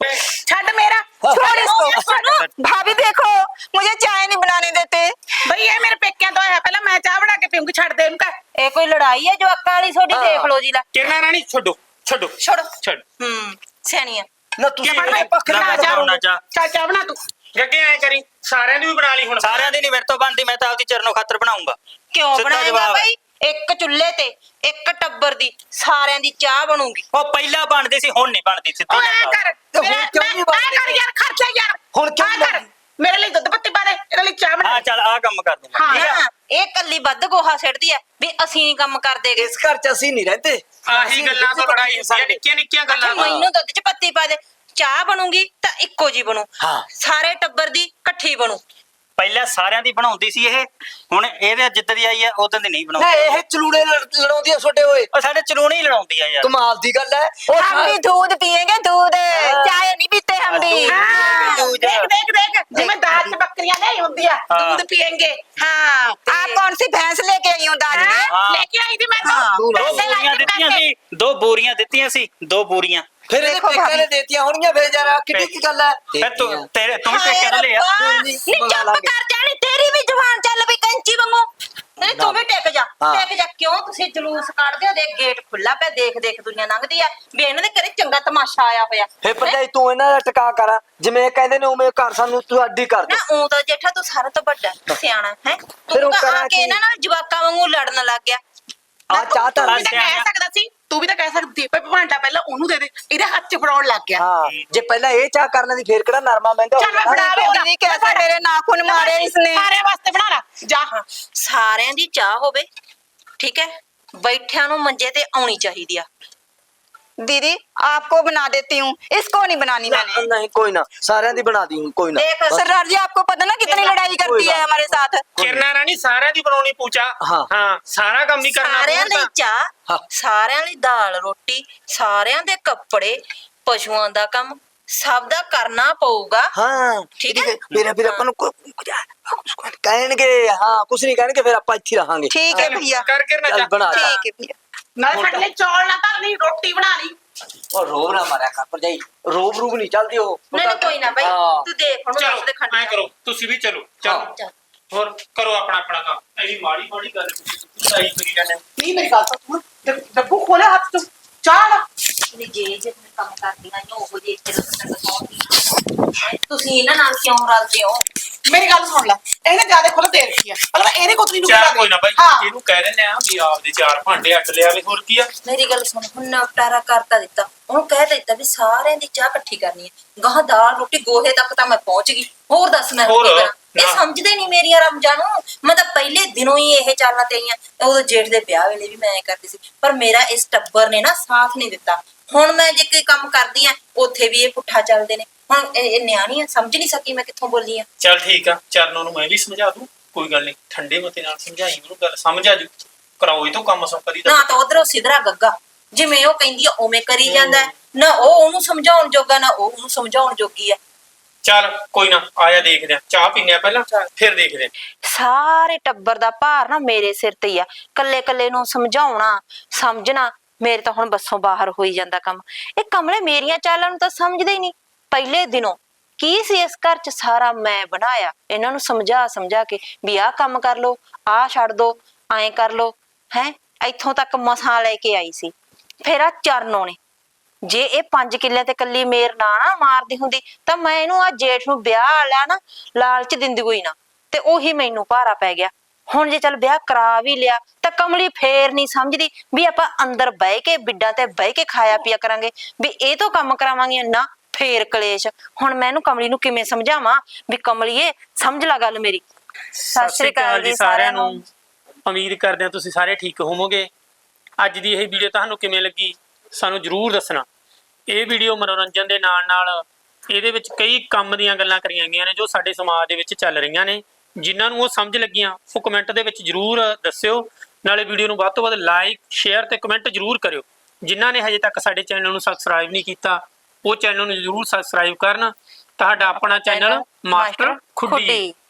Speaker 1: ਛੱਡ ਮੇਰਾ।
Speaker 4: हाँ।
Speaker 7: छोड़
Speaker 1: अरे
Speaker 7: इसको।
Speaker 1: हो गया, सुन।
Speaker 7: भाभी देखो मुझे चाय नहीं बनाने देते।
Speaker 1: ਬਈ ਇਹ ਮੇਰੇ ਪੇਕਿਆਂ ਤੋਂ ਆਇਆ, ਪਹਿਲਾਂ ਮੈਂ ਚਾਹ ਬਣਾ ਕੇ ਪੀਉਂਗੀ। ਛੱਡ ਦੇ ਇਹਨੂੰ ਕਹਿ।
Speaker 2: ਇਹ ਕੋਈ ਲੜਾਈ ਹੈ ਜੋ ਅੱਕਾਂ ਵਾਲੀ ਤੁਹਾਡੀ?
Speaker 4: ਹਾਂ।
Speaker 2: ਦੇਖ ਲਓ ਜੀ ਲੈ।
Speaker 5: किरना रानी छोड़ो छोड़ो
Speaker 2: ਛੋੜੋ।
Speaker 5: छोड़।
Speaker 2: ਹੂੰ ਸਿਆਣੀਆਂ।
Speaker 4: ਨਾ ਤੁਸੀਂ
Speaker 1: ਬਣ
Speaker 4: ਇਹ ਪੱਖ
Speaker 6: ਨਾ
Speaker 1: ਬਣਾ
Speaker 6: ਮੈਂ
Speaker 1: ਚਾਹ।
Speaker 6: ਬਣਾਉਣਾ ਚਾਹ।
Speaker 1: ਚੱਲ ਚਾਹ ਬਣਾ ਤੂੰ।
Speaker 5: गगे ऐ करी सारे नु भी बना ली हुण।
Speaker 6: सारियां दी नहीं मेरे तो बनदी, मैं तो आपदी चरणों खातिर बनाऊंगा।
Speaker 2: ਕਿਉਂ
Speaker 6: ਸਿੱਧਾ
Speaker 2: ਬਣਾਏਗਾ
Speaker 6: ਜਵਾਬ ਹੈ।
Speaker 2: ਬਈ? ਇੱਕ ਚੁੱਲ੍ਹੇ ਤੇ ਇੱਕ ਟੱਬਰ ਦੀ ਸਾਰਿਆਂ ਦੀ ਚਾਹ ਬਣੂਗੀ।
Speaker 6: ਉਹ ਪਹਿਲਾਂ ਬਣਦੀ ਸੀ, ਹੁਣ ਨਹੀਂ ਬਣਦੀ। ਸਿੱਧੀ
Speaker 1: ਓਏ ਐ
Speaker 6: ਗੱਲ
Speaker 1: ਕਰ,
Speaker 4: ਤੇ ਹੁਣ
Speaker 1: ਮੇਰਾ-
Speaker 4: ਕਿਉਂ
Speaker 1: ਮੈਂ-
Speaker 4: ਨਹੀਂ
Speaker 1: ਐ
Speaker 4: ਬਣਦੀ?
Speaker 1: ਕਰ ਯਾਰ, ਖਰਚਾ ਯਾਰ।
Speaker 4: ਹੁਣ ਕਿਉਂ
Speaker 1: ਐ
Speaker 4: ਨਹੀਂ
Speaker 1: ਕਰ,
Speaker 4: ਬਣਦੀ?
Speaker 1: ਮੇਰੇ ਲਈ ਦੁੱਧ ਪੱਤੀ ਪਾ ਦੇ, ਇਹਦੇ ਲਈ ਚਾਹ ਬਣਾ।
Speaker 6: ਹਾਂ ਚੱਲ ਆ ਕੰਮ ਕਰ ਦੂੰਗਾ।
Speaker 1: ਹਾਂ
Speaker 2: ਨਾ ਇਹ ਕੱਲੀ ਵੱਧ ਗੋਹਾ ਸਿੱਟਦੀ ਐ ਵੀ ਅਸੀਂ ਨਹੀਂ ਕੰਮ ਕਰਦੇ ਗੇ।
Speaker 4: ਇਸ ਘਰ ਚ ਅਸੀਂ ਨਹੀਂ ਰਹਿੰਦੇ।
Speaker 5: ਆਹੀ
Speaker 4: ਅਸੀਂ
Speaker 5: ਗੱਲਾਂ ਤੋਂ
Speaker 4: ਦੁੱਧ
Speaker 5: ਲੜਾਈ ਹੁੰਦੀ ਹੈ, ਨਿੱਕੀਆਂ ਨਿੱਕੀਆਂ
Speaker 2: ਅੱਛਾ
Speaker 5: ਗੱਲਾਂ ਤੋਂ।
Speaker 2: ਮੈਨੂੰ ਦੁੱਧ ਚ ਪੱਤੀ ਪਾ ਦੇ, ਚਾਹ ਬਣੂਗੀ ਤਾਂ ਇੱਕੋ ਜੀ ਬਣੂ।
Speaker 4: ਹਾਂ।
Speaker 2: ਸਾਰੇ ਟੱਬਰ ਦੀ ਇਕੱਠੀ ਬਣੂ।
Speaker 6: ਪਹਿਲਾਂ ਸਾਰਿਆਂ ਦੀ ਬਣਾਉਂਦੀ ਸੀ ਇਹ, ਹੁਣ ਇਹਦੇ ਜਿੱਦ ਦੀ ਆਈ ਹੈ ਉਦੋਂ ਦੀ ਨਹੀਂ
Speaker 4: ਨਾ
Speaker 6: ਬਣਾਉਂਦੀ।
Speaker 4: ਇਹ ਚਲੂੜੇ ਲੜ- ਲੜਾਉਂਦੀ ਆ ਛੋਟੇ ਹੋਏ।
Speaker 6: ਉਹ ਸਾਡੇ ਚਲੂਣੀ ਹੀ ਲੜਾਉਂਦੀ ਆ ਯਾਰ।
Speaker 4: ਕਮਾਲ ਦੀ ਗੱਲ ਹੈ। ਉਹ
Speaker 7: हम भी दूध पियेंगे, दूध
Speaker 4: हाँ।
Speaker 7: चाय नहीं पीते हम भी।
Speaker 6: दूध।
Speaker 1: हाँ,
Speaker 6: दूध।
Speaker 1: देख देख देख, जिਵੇਂ ਦਾਜ ਚ ਬੱਕਰੀਆਂ ਨਹੀਂ ਹੁੰਦੀਆਂ,
Speaker 6: हाँ।
Speaker 1: दूध पियेंगे। हाँ,
Speaker 7: आप कौन सी भैंस लेके आई हूँ दाज में?
Speaker 1: हाँ, लेके आई थी मैं तो।
Speaker 7: हाँ।
Speaker 6: ਦੋ
Speaker 1: पैसे लाई
Speaker 6: ਬੋਰੀਆਂ
Speaker 1: थी
Speaker 6: ਦਿੱਤੀਆਂ
Speaker 1: पैसे।
Speaker 6: ਸੀ, ਦੋ ਬੋਰੀਆਂ ਦਿੱਤੀਆਂ ਸੀ, ਦੋ ਬੋਰੀਆਂ।
Speaker 4: ਫਿਰ ਇਹ
Speaker 7: ਦੇਖੋ
Speaker 4: ਪੇਕਿਆਂ ਨੇ
Speaker 7: ਭਾਬੀ।
Speaker 4: ਦੇਤੀਆਂ ਹੋਣਗੀਆਂ। ਫਿਰ ਜਰਾ ਕਿੱਡੀ ਕੀ ਗੱਲ ਹੈ?
Speaker 6: ਫਿਰ ਤੂੰ ਤੇਰੇ ਤੂੰ ਵੀ ਪੇਕੇ ਤੋਂ ਲਿਆ।
Speaker 4: ਕੋਈ ਨੀ,
Speaker 2: ਨੀ
Speaker 4: ਮੰਗਾ
Speaker 2: ਚੁੱਪ
Speaker 4: ਲਾਂਗੇ।
Speaker 2: ਕਰ ਜਾਣੀ, ਤੇਰੀ ਵੀ ਜ਼ੁਬਾਨ ਚੱਲ ਵੀ ਕੈਂਚੀ ਵਾਂਗੂ। ਨਹੀਂ ਤੂੰ ਵੀ ਟਿਕ ਜਾ,
Speaker 4: ਹਾਂ।
Speaker 2: ਟਿਕ ਜਾ। ਕਿਉਂ ਤੁਸੀਂ ਜਲੂਸ ਕੱਢਦੇ ਹੋ? ਦੇਖ ਗੇਟ ਖੁੱਲਾ ਪਿਆ, ਦੇਖ ਦੇਖ ਦੁਨੀਆ ਲੰਘਦੀ ਆ ਵੀ ਇਹਨਾਂ ਦੇ ਘਰੇ ਚੰਗਾ ਤਮਾਸ਼ਾ ਆਇਆ ਹੋਇਆ।
Speaker 4: ਫਿਰ ਭਰਜਾਈ ਤੂੰ ਇਹਨਾਂ ਦਾ ਟਿਕਾ ਕਰ, ਜਿਵੇਂ ਇਹ ਕਹਿੰਦੇ ਨੇ ਉਵੇਂ ਘਰ ਸਾਨੂੰ ਤੂੰ ਅੱਡੀ ਕਰ ਦੇ।
Speaker 2: ਨਾ ਉਹ ਤਾਂ ਜੇਠਾ ਤੂੰ ਸਾਰਾ ਤੋਂ ਵੱਡਾ ਸਿਆਣਾ ਹੈ।
Speaker 4: ਫਿਰ ਉਹ
Speaker 2: ਤੂੰ ਤਾਂ
Speaker 4: ਕਰਾਂ
Speaker 2: ਆ ਕੇ
Speaker 4: ਕੀ?
Speaker 2: ਇਹਨਾਂ ਨਾਲ ਜਵਾਕਾਂ ਵਾਂਗੂ ਲੜਨ ਲੱਗ ਗਿਆ।
Speaker 4: ਆ ਚਾਹ ਤਾਂ
Speaker 1: ਤੂੰ
Speaker 6: ਆ
Speaker 1: ਵੀ ਤਾਂ ਕਹਿ
Speaker 6: ਸਿਆਣਿਆਂ।
Speaker 1: ਸਕਦਾ ਸੀ ਤੂੰ ਵੀ ਤਾਂ ਕਹਿ ਸਕਦੀ ਭਾਈ ਭਾਂਡਾ ਪਹਿਲਾਂ ਉਹਨੂੰ ਦੇ ਦੇ, ਇਹਦੇ ਹੱਥ 'ਚ ਫੜਾਉਣ ਲੱਗ ਗਿਆ।
Speaker 4: ਹਾਂ ਜੇ ਪਹਿਲਾਂ ਇਹ ਚਾਹ ਕਰ ਲੈਂਦੀ ਫੇਰ ਕਿਹੜਾ ਨਰਮਾ ਮਹਿੰਗਾ
Speaker 1: ਚੱਲ ਮੈਂ
Speaker 4: ਹੁੰਦਾ?
Speaker 1: ਫੜਾ ਲਿਆ
Speaker 7: दीदी कैसे मेरे नाखून मारे इसने।
Speaker 1: ਸਾਰਿਆਂ ਵਾਸਤੇ ਬਣਾ ਲਾ ਜਾ।
Speaker 2: ਸਾਰਿਆਂ ਦੀ ਚਾਹ ਹੋਵੇ, ਠੀਕ ਹੈ, ਬੈਠਿਆਂ ਨੂੰ ਮੰਜੇ ਤੇ ਆਉਣੀ ਚਾਹੀਦੀ ਆ।
Speaker 7: दीदी आपको बना देती हूँ, इसको नहीं बनानी मैंने।
Speaker 4: नहीं कोई ना सारे दी बना दी हूँ कोई ना
Speaker 2: देख,
Speaker 4: बस।
Speaker 7: सरदार जी आपको पता ना कितनी लड़ाई करती है हमारे साथ।
Speaker 5: ਕਿਰਨਾ ਰਾਣੀ ਸਾਰਿਆਂ ਦੀ ਬਣਾਉਣੀ ਪੂਚਾ।
Speaker 4: ਹਾਂ।
Speaker 5: ਹਾਂ ਸਾਰਾ ਕੰਮ ਹੀ ਕਰਨਾ
Speaker 2: ਸਾਰਿਆਂ ਲਈ
Speaker 5: ਪਊਗਾ।
Speaker 2: ਚਾਹ,
Speaker 4: ਹਾਂ।
Speaker 2: ਸਾਰਿਆਂ ਲਈ ਦਾਲ ਰੋਟੀ, ਸਾਰਿਆਂ ਦੇ ਕੱਪੜੇ, ਪਸ਼ੂਆਂ ਦਾ ਕੰਮ ਸਭ ਦਾ ਕਰਨਾ ਪਊਗਾ।
Speaker 4: हाँ
Speaker 2: ठीक है?
Speaker 4: फिर फिर अपन को कहेंगे हाँ कुछ नहीं कहेंगे फिर आप अच्छी रहांगे
Speaker 7: ठीक है भैया,
Speaker 5: ਕਰ ਕਿਰਨਾ
Speaker 4: चल
Speaker 5: ਚਾਹ
Speaker 4: बना दे।
Speaker 7: ठीक है भैया।
Speaker 1: ਨਾਲੇ ਸਾਡੇ ਲਈ ਚੌਲ ਨਾ ਧਰਨੀ, ਰੋਟੀ ਬਣਾ ਲਈ।
Speaker 4: और रोब ना मारा कर पर जाई रोब रूब नहीं चलती हो
Speaker 2: ਨਹੀਂ ਨਹੀਂ ਕੋਈ ਨਾ ਬਾਈ,
Speaker 4: हाँ।
Speaker 2: ਤੂੰ ਦੇਖ ਹੁਣ
Speaker 5: ਚਲੋ
Speaker 2: ਉਸ ਦੇ ਖੰਡ
Speaker 5: ਐ ਕਰੋ ਤੁਸੀਂ ਵੀ ਚਲੋ ਚਲੋ
Speaker 2: ਚੱਲ।
Speaker 5: ਹੋਰ ਕਰੋ ਆਪਣਾ ਆਪਣਾ ਕੰਮ। ਐਡੀ ਮਾੜੀ ਮਾੜੀ ਗੱਲ ਤੁਸੀਂ ਸਾਈ ਕਰੀ ਜਾਂਦੇ ਹੋ।
Speaker 1: ਨਹੀਂ ਮੇਰੀ ਗੱਲ ਤਾਂ ਸੁਣ, ਡ- ਡੱਬੂ ਖੋਲੇ ਹੱਥ 'ਚ ਚਾਹ ਲਾ।
Speaker 2: ਵੀ ਜੇ ਜੇ ਮੈਂ ਕੰਮ ਕਰਦੀਆਂ ਨੇ ਉਹ ਜੇ ਇੱਥੇ ਦੱਸਣ ਦਿਖਾਉਂਦੀ ਤੁਸੀਂ ਇਹਨਾਂ ਨਾਲ ਕਿਉਂ ਰਲਦੇ ਹੋ?
Speaker 1: ਮੇਰੀ ਗੱਲ ਸੁਣ ਲੈ, ਇਹਨੇ ਜਿਆਦਾ ਖੁੱਲ ਦੇ ਰੱਖੀ ਆ, ਮਤਲਬ ਇਹਨੇ ਕੋਤਰੀ ਨੂੰ
Speaker 5: ਚਾਹ ਕੋਈ ਨਾ ਬਾਈ,
Speaker 1: ਹਾਂ
Speaker 5: ਇਹਨੂੰ ਕਹਿ ਦਿੰਦੇ ਆ ਵੀ ਆਪਦੇ ਚਾਰ ਭਾਂਡੇ ਅੱਡ ਲਿਆਵੇ, ਹੋਰ ਕੀ ਆ।
Speaker 2: ਮੇਰੀ ਗੱਲ ਸੁਣ, ਹੁਣ ਨਵਟਾਰਾ ਕਰਤਾ ਦਿੱਤਾ, ਉਹਨੂੰ ਕਹਿ ਦਿੱਤਾ ਵੀ ਸਾਰਿਆਂ ਦੀ ਚਾਹ ਇਕੱਠੀ ਕਰਨੀ ਹੈ। ਗਾਹ ਦਾਲ ਰੋਟੀ ਗੋਹੇ ਤੱਕ ਤਾਂ ਮੈਂ ਪਹੁੰਚ ਗਈ, ਹੋਰ ਦੱਸ ਮੈਂ
Speaker 5: ਹੋਰ,
Speaker 2: ਕੀ ਕਰਾਂ? ਇਹ
Speaker 5: ਨਾ।
Speaker 2: ਸਮਝਦੇ ਨਹੀਂ ਮੇਰੀਆਂ ਰਮਜਾਂ ਨੂੰ। ਮੈਂ ਤਾਂ ਪਹਿਲੇ ਦਿਨੋਂ ਹੀ ਇਹ ਚਾਲਾਂ ਤੇ ਆਈਆਂ, ਉਦੋਂ ਜੇਠ ਦੇ ਵਿਆਹ ਵੇਲੇ ਵੀ ਮੈਂ ਐ ਕਰਦੀ ਸੀ, ਪਰ ਮੇਰਾ ਇਸ ਟੱਬਰ ਨੇ ਨਾ ਸਾਥ ਨਹੀਂ ਦਿੱਤਾ। ਹੁਣ ਮੈਂ ਜੇ ਕੋਈ ਕੰਮ ਕਰਦੀ ਆ ਉੱਥੇ ਵੀ ਇਹ ਪੁੱਠਾ ਚੱਲਦੇ ਨੇ। ਹੁਣ ਇਹ ਇਹ ਨਿਆਣੀ ਆ, ਸਮਝ ਨਹੀਂ ਸਕੀ ਮੈਂ ਕਿੱਥੋਂ ਬੋਲੀ ਆ।
Speaker 5: ਚੱਲ ਠੀਕ ਆ, ਚਰਨੋਂ ਨੂੰ ਮੈਂ ਵੀ ਸਮਝਾ ਦੂੰ, ਕੋਈ ਗੱਲ ਨਹੀਂ, ਠੰਡੇ ਮਤੇ ਨਾਲ ਸਮਝਾਈ ਉਹਨੂੰ, ਗੱਲ ਸਮਝ ਆ ਜੂ। ਕਰਾਓ ਇਹ ਤੋਂ ਕੰਮ ਸੰਪਰੀ ਦਾ।
Speaker 2: ਨਾ ਤਾਂ ਉਧਰੋਂ ਸਿਧਰਾ ਗੱਗਾ, ਜਿਵੇਂ ਉਹ ਕਹਿੰਦੀ ਆ ਉਵੇਂ ਕਰੀ ਜਾਂਦਾ ਹੈ। ਨਾ ਉਹ ਉਹਨੂੰ ਸਮਝਾਉਣ ਜੋਗਾ, ਨਾ ਉਹ ਉਹਨੂੰ ਸਮਝਾਉਣ ਜੋਗੀ ਆ।
Speaker 5: ਚੱਲ ਕੋਈ ਨਾ, ਆਇਆ ਦੇਖਦੇ ਆ, ਚਾਹ ਪੀਨੇ ਆ ਪਹਿਲਾਂ ਫਿਰ ਦੇਖਦੇ ਆ।
Speaker 2: ਸਾਰੇ ਟੱਬਰ ਦਾ ਭਾਰ ਨਾ ਮੇਰੇ ਸਿਰ ਤੇ ਹੀ ਆ। ਕੱਲੇ ਕੱਲੇ ਨੂੰ ਸਮਝਾਉਣਾ ਸਮਝਣਾ ਮੇਰੇ ਤਾਂ ਹੁਣ ਬੱਸੋਂ ਬਾਹਰ ਹੋਈ ਜਾਂਦਾ ਕੰਮ। ਇਹ ਕਮਲੇ ਮੇਰੀਆਂ ਚਾਲਾਂ ਨੂੰ ਤਾਂ ਸਮਝਦੇ ਹੀ ਨਹੀਂ। ਪਹਿਲੇ ਦਿਨੋਂ ਕੀ ਸੀ ਇਸ ਘਰ ਚ ਸਾਰਾ ਮੈਂ ਬਣਾਇਆ, ਇਹਨਾਂ ਨੂੰ ਸਮਝਾ ਸਮਝਾ ਕੇ ਵੀ ਆਹ ਕੰਮ ਕਰ ਲੋ, ਆਹ ਛੱਡ ਦੋ, ਐਂ ਕਰ ਲੋ, ਹੈ ਇੱਥੋਂ ਤੱਕ ਮਸਾਂ ਲੈ ਕੇ ਆਈ ਸੀ। ਫਿਰ ਆ ਚਰਨੋਂ ਨੇ, ਜੇ ਇਹ ਪੰਜ ਕਿੱਲੇ ਤੇ ਕੱਲੀ ਮੇਰ ਨਾ ਨਾ ਮਾਰਦੀ ਹੁੰਦੀ ਤਾਂ ਮੈਂ ਇਹਨੂੰ ਆ ਜੇਠ ਨੂੰ ਵਿਆਹ ਲਿਆ ਨਾ ਲਾਲਚ ਦਿੰਦੀ ਕੋਈ ਨਾ, ਤੇ ਉਹੀ ਮੈਨੂੰ ਭਾਰਾ ਪੈ ਗਿਆ। ਹੁਣ ਜੇ ਚੱਲ ਵਿਆਹ ਕਰਾ ਵੀ ਲਿਆ ਤਾਂ ਕਮਲੀ ਫੇਰ ਨਹੀਂ ਸਮਝਦੀ ਵੀ ਆਪਾਂ ਅੰਦਰ ਬਹਿ ਕੇ ਬਿੱਡਾਂ ਤੇ ਬਹਿ ਕੇ ਖਾਇਆ ਪੀਆ ਕਰਾਂਗੇ, ਵੀ ਇਹ ਤੋਂ ਕੰਮ ਕਰਾਵਾਂਗੇ ਨਾ, ਫੇਰ ਕਲੇਸ਼। ਹੁਣ ਮੈਂ ਇਹਨੂੰ ਕਮਲੀ ਨੂੰ ਕਿਵੇਂ ਸਮਝਾਵਾਂ ਵੀ ਕਮਲੀਏ ਸਮਝ ਲੈ ਗੱਲ ਮੇਰੀ। ਸਤਿ ਸ਼੍ਰੀ ਅਕਾਲ ਜੀ ਸਾਰਿਆਂ ਨੂੰ।
Speaker 5: ਉਮੀਦ ਕਰਦੇ ਹਾਂ ਤੁਸੀਂ ਸਾਰੇ ਠੀਕ ਹੋਵੋਗੇ। ਅੱਜ ਦੀ ਇਹ ਵੀਡੀਓ ਤੁਹਾਨੂੰ ਕਿਵੇਂ ਲੱਗੀ ਸਾਨੂੰ ਜਰੂਰ ਦੱਸਣਾ। ਇਹ ਵੀਡੀਓ ਮਨੋਰੰਜਨ ਦੇ ਨਾਲ ਨਾਲ ਇਹਦੇ ਵਿੱਚ ਕਈ ਕੰਮ ਦੀਆਂ ਗੱਲਾਂ ਕਰੀਆਂ ਗਈਆਂ ਨੇ ਜੋ ਸਾਡੇ ਸਮਾਜ ਦੇ ਵਿੱਚ ਚੱਲ ਰਹੀਆਂ ਨੇ, ਜਿਨ੍ਹਾਂ ਨੂੰ ਉਹ ਸਮਝ ਲੱਗੀਆਂ ਉਹ ਕਮੈਂਟ ਦੇ ਵਿੱਚ ਜਰੂਰ ਦੱਸਿਓ। ਨਾਲੇ ਵੀਡੀਓ ਨੂੰ ਵੱਧ ਤੋਂ ਵੱਧ ਲਾਈਕ ਸ਼ੇਅਰ ਤੇ ਕਮੈਂਟ ਜਰੂਰ ਕਰਿਓ। ਜਿਨ੍ਹਾਂ ਨੇ ਹਜੇ ਤੱਕ ਸਾਡੇ ਚੈਨਲ ਨੂੰ ਸਬਸਕ੍ਰਾਈਬ ਨਹੀਂ ਕੀਤਾ ਉਹ ਚੈਨਲ ਨੂੰ ਜਰੂਰ ਸਬਸਕ੍ਰਾਈਬ ਕਰਨ। ਤੁਹਾਡਾ ਆਪਣਾ ਚੈਨਲ ਮਾਸਟਰ ਖੁੱਡੀ।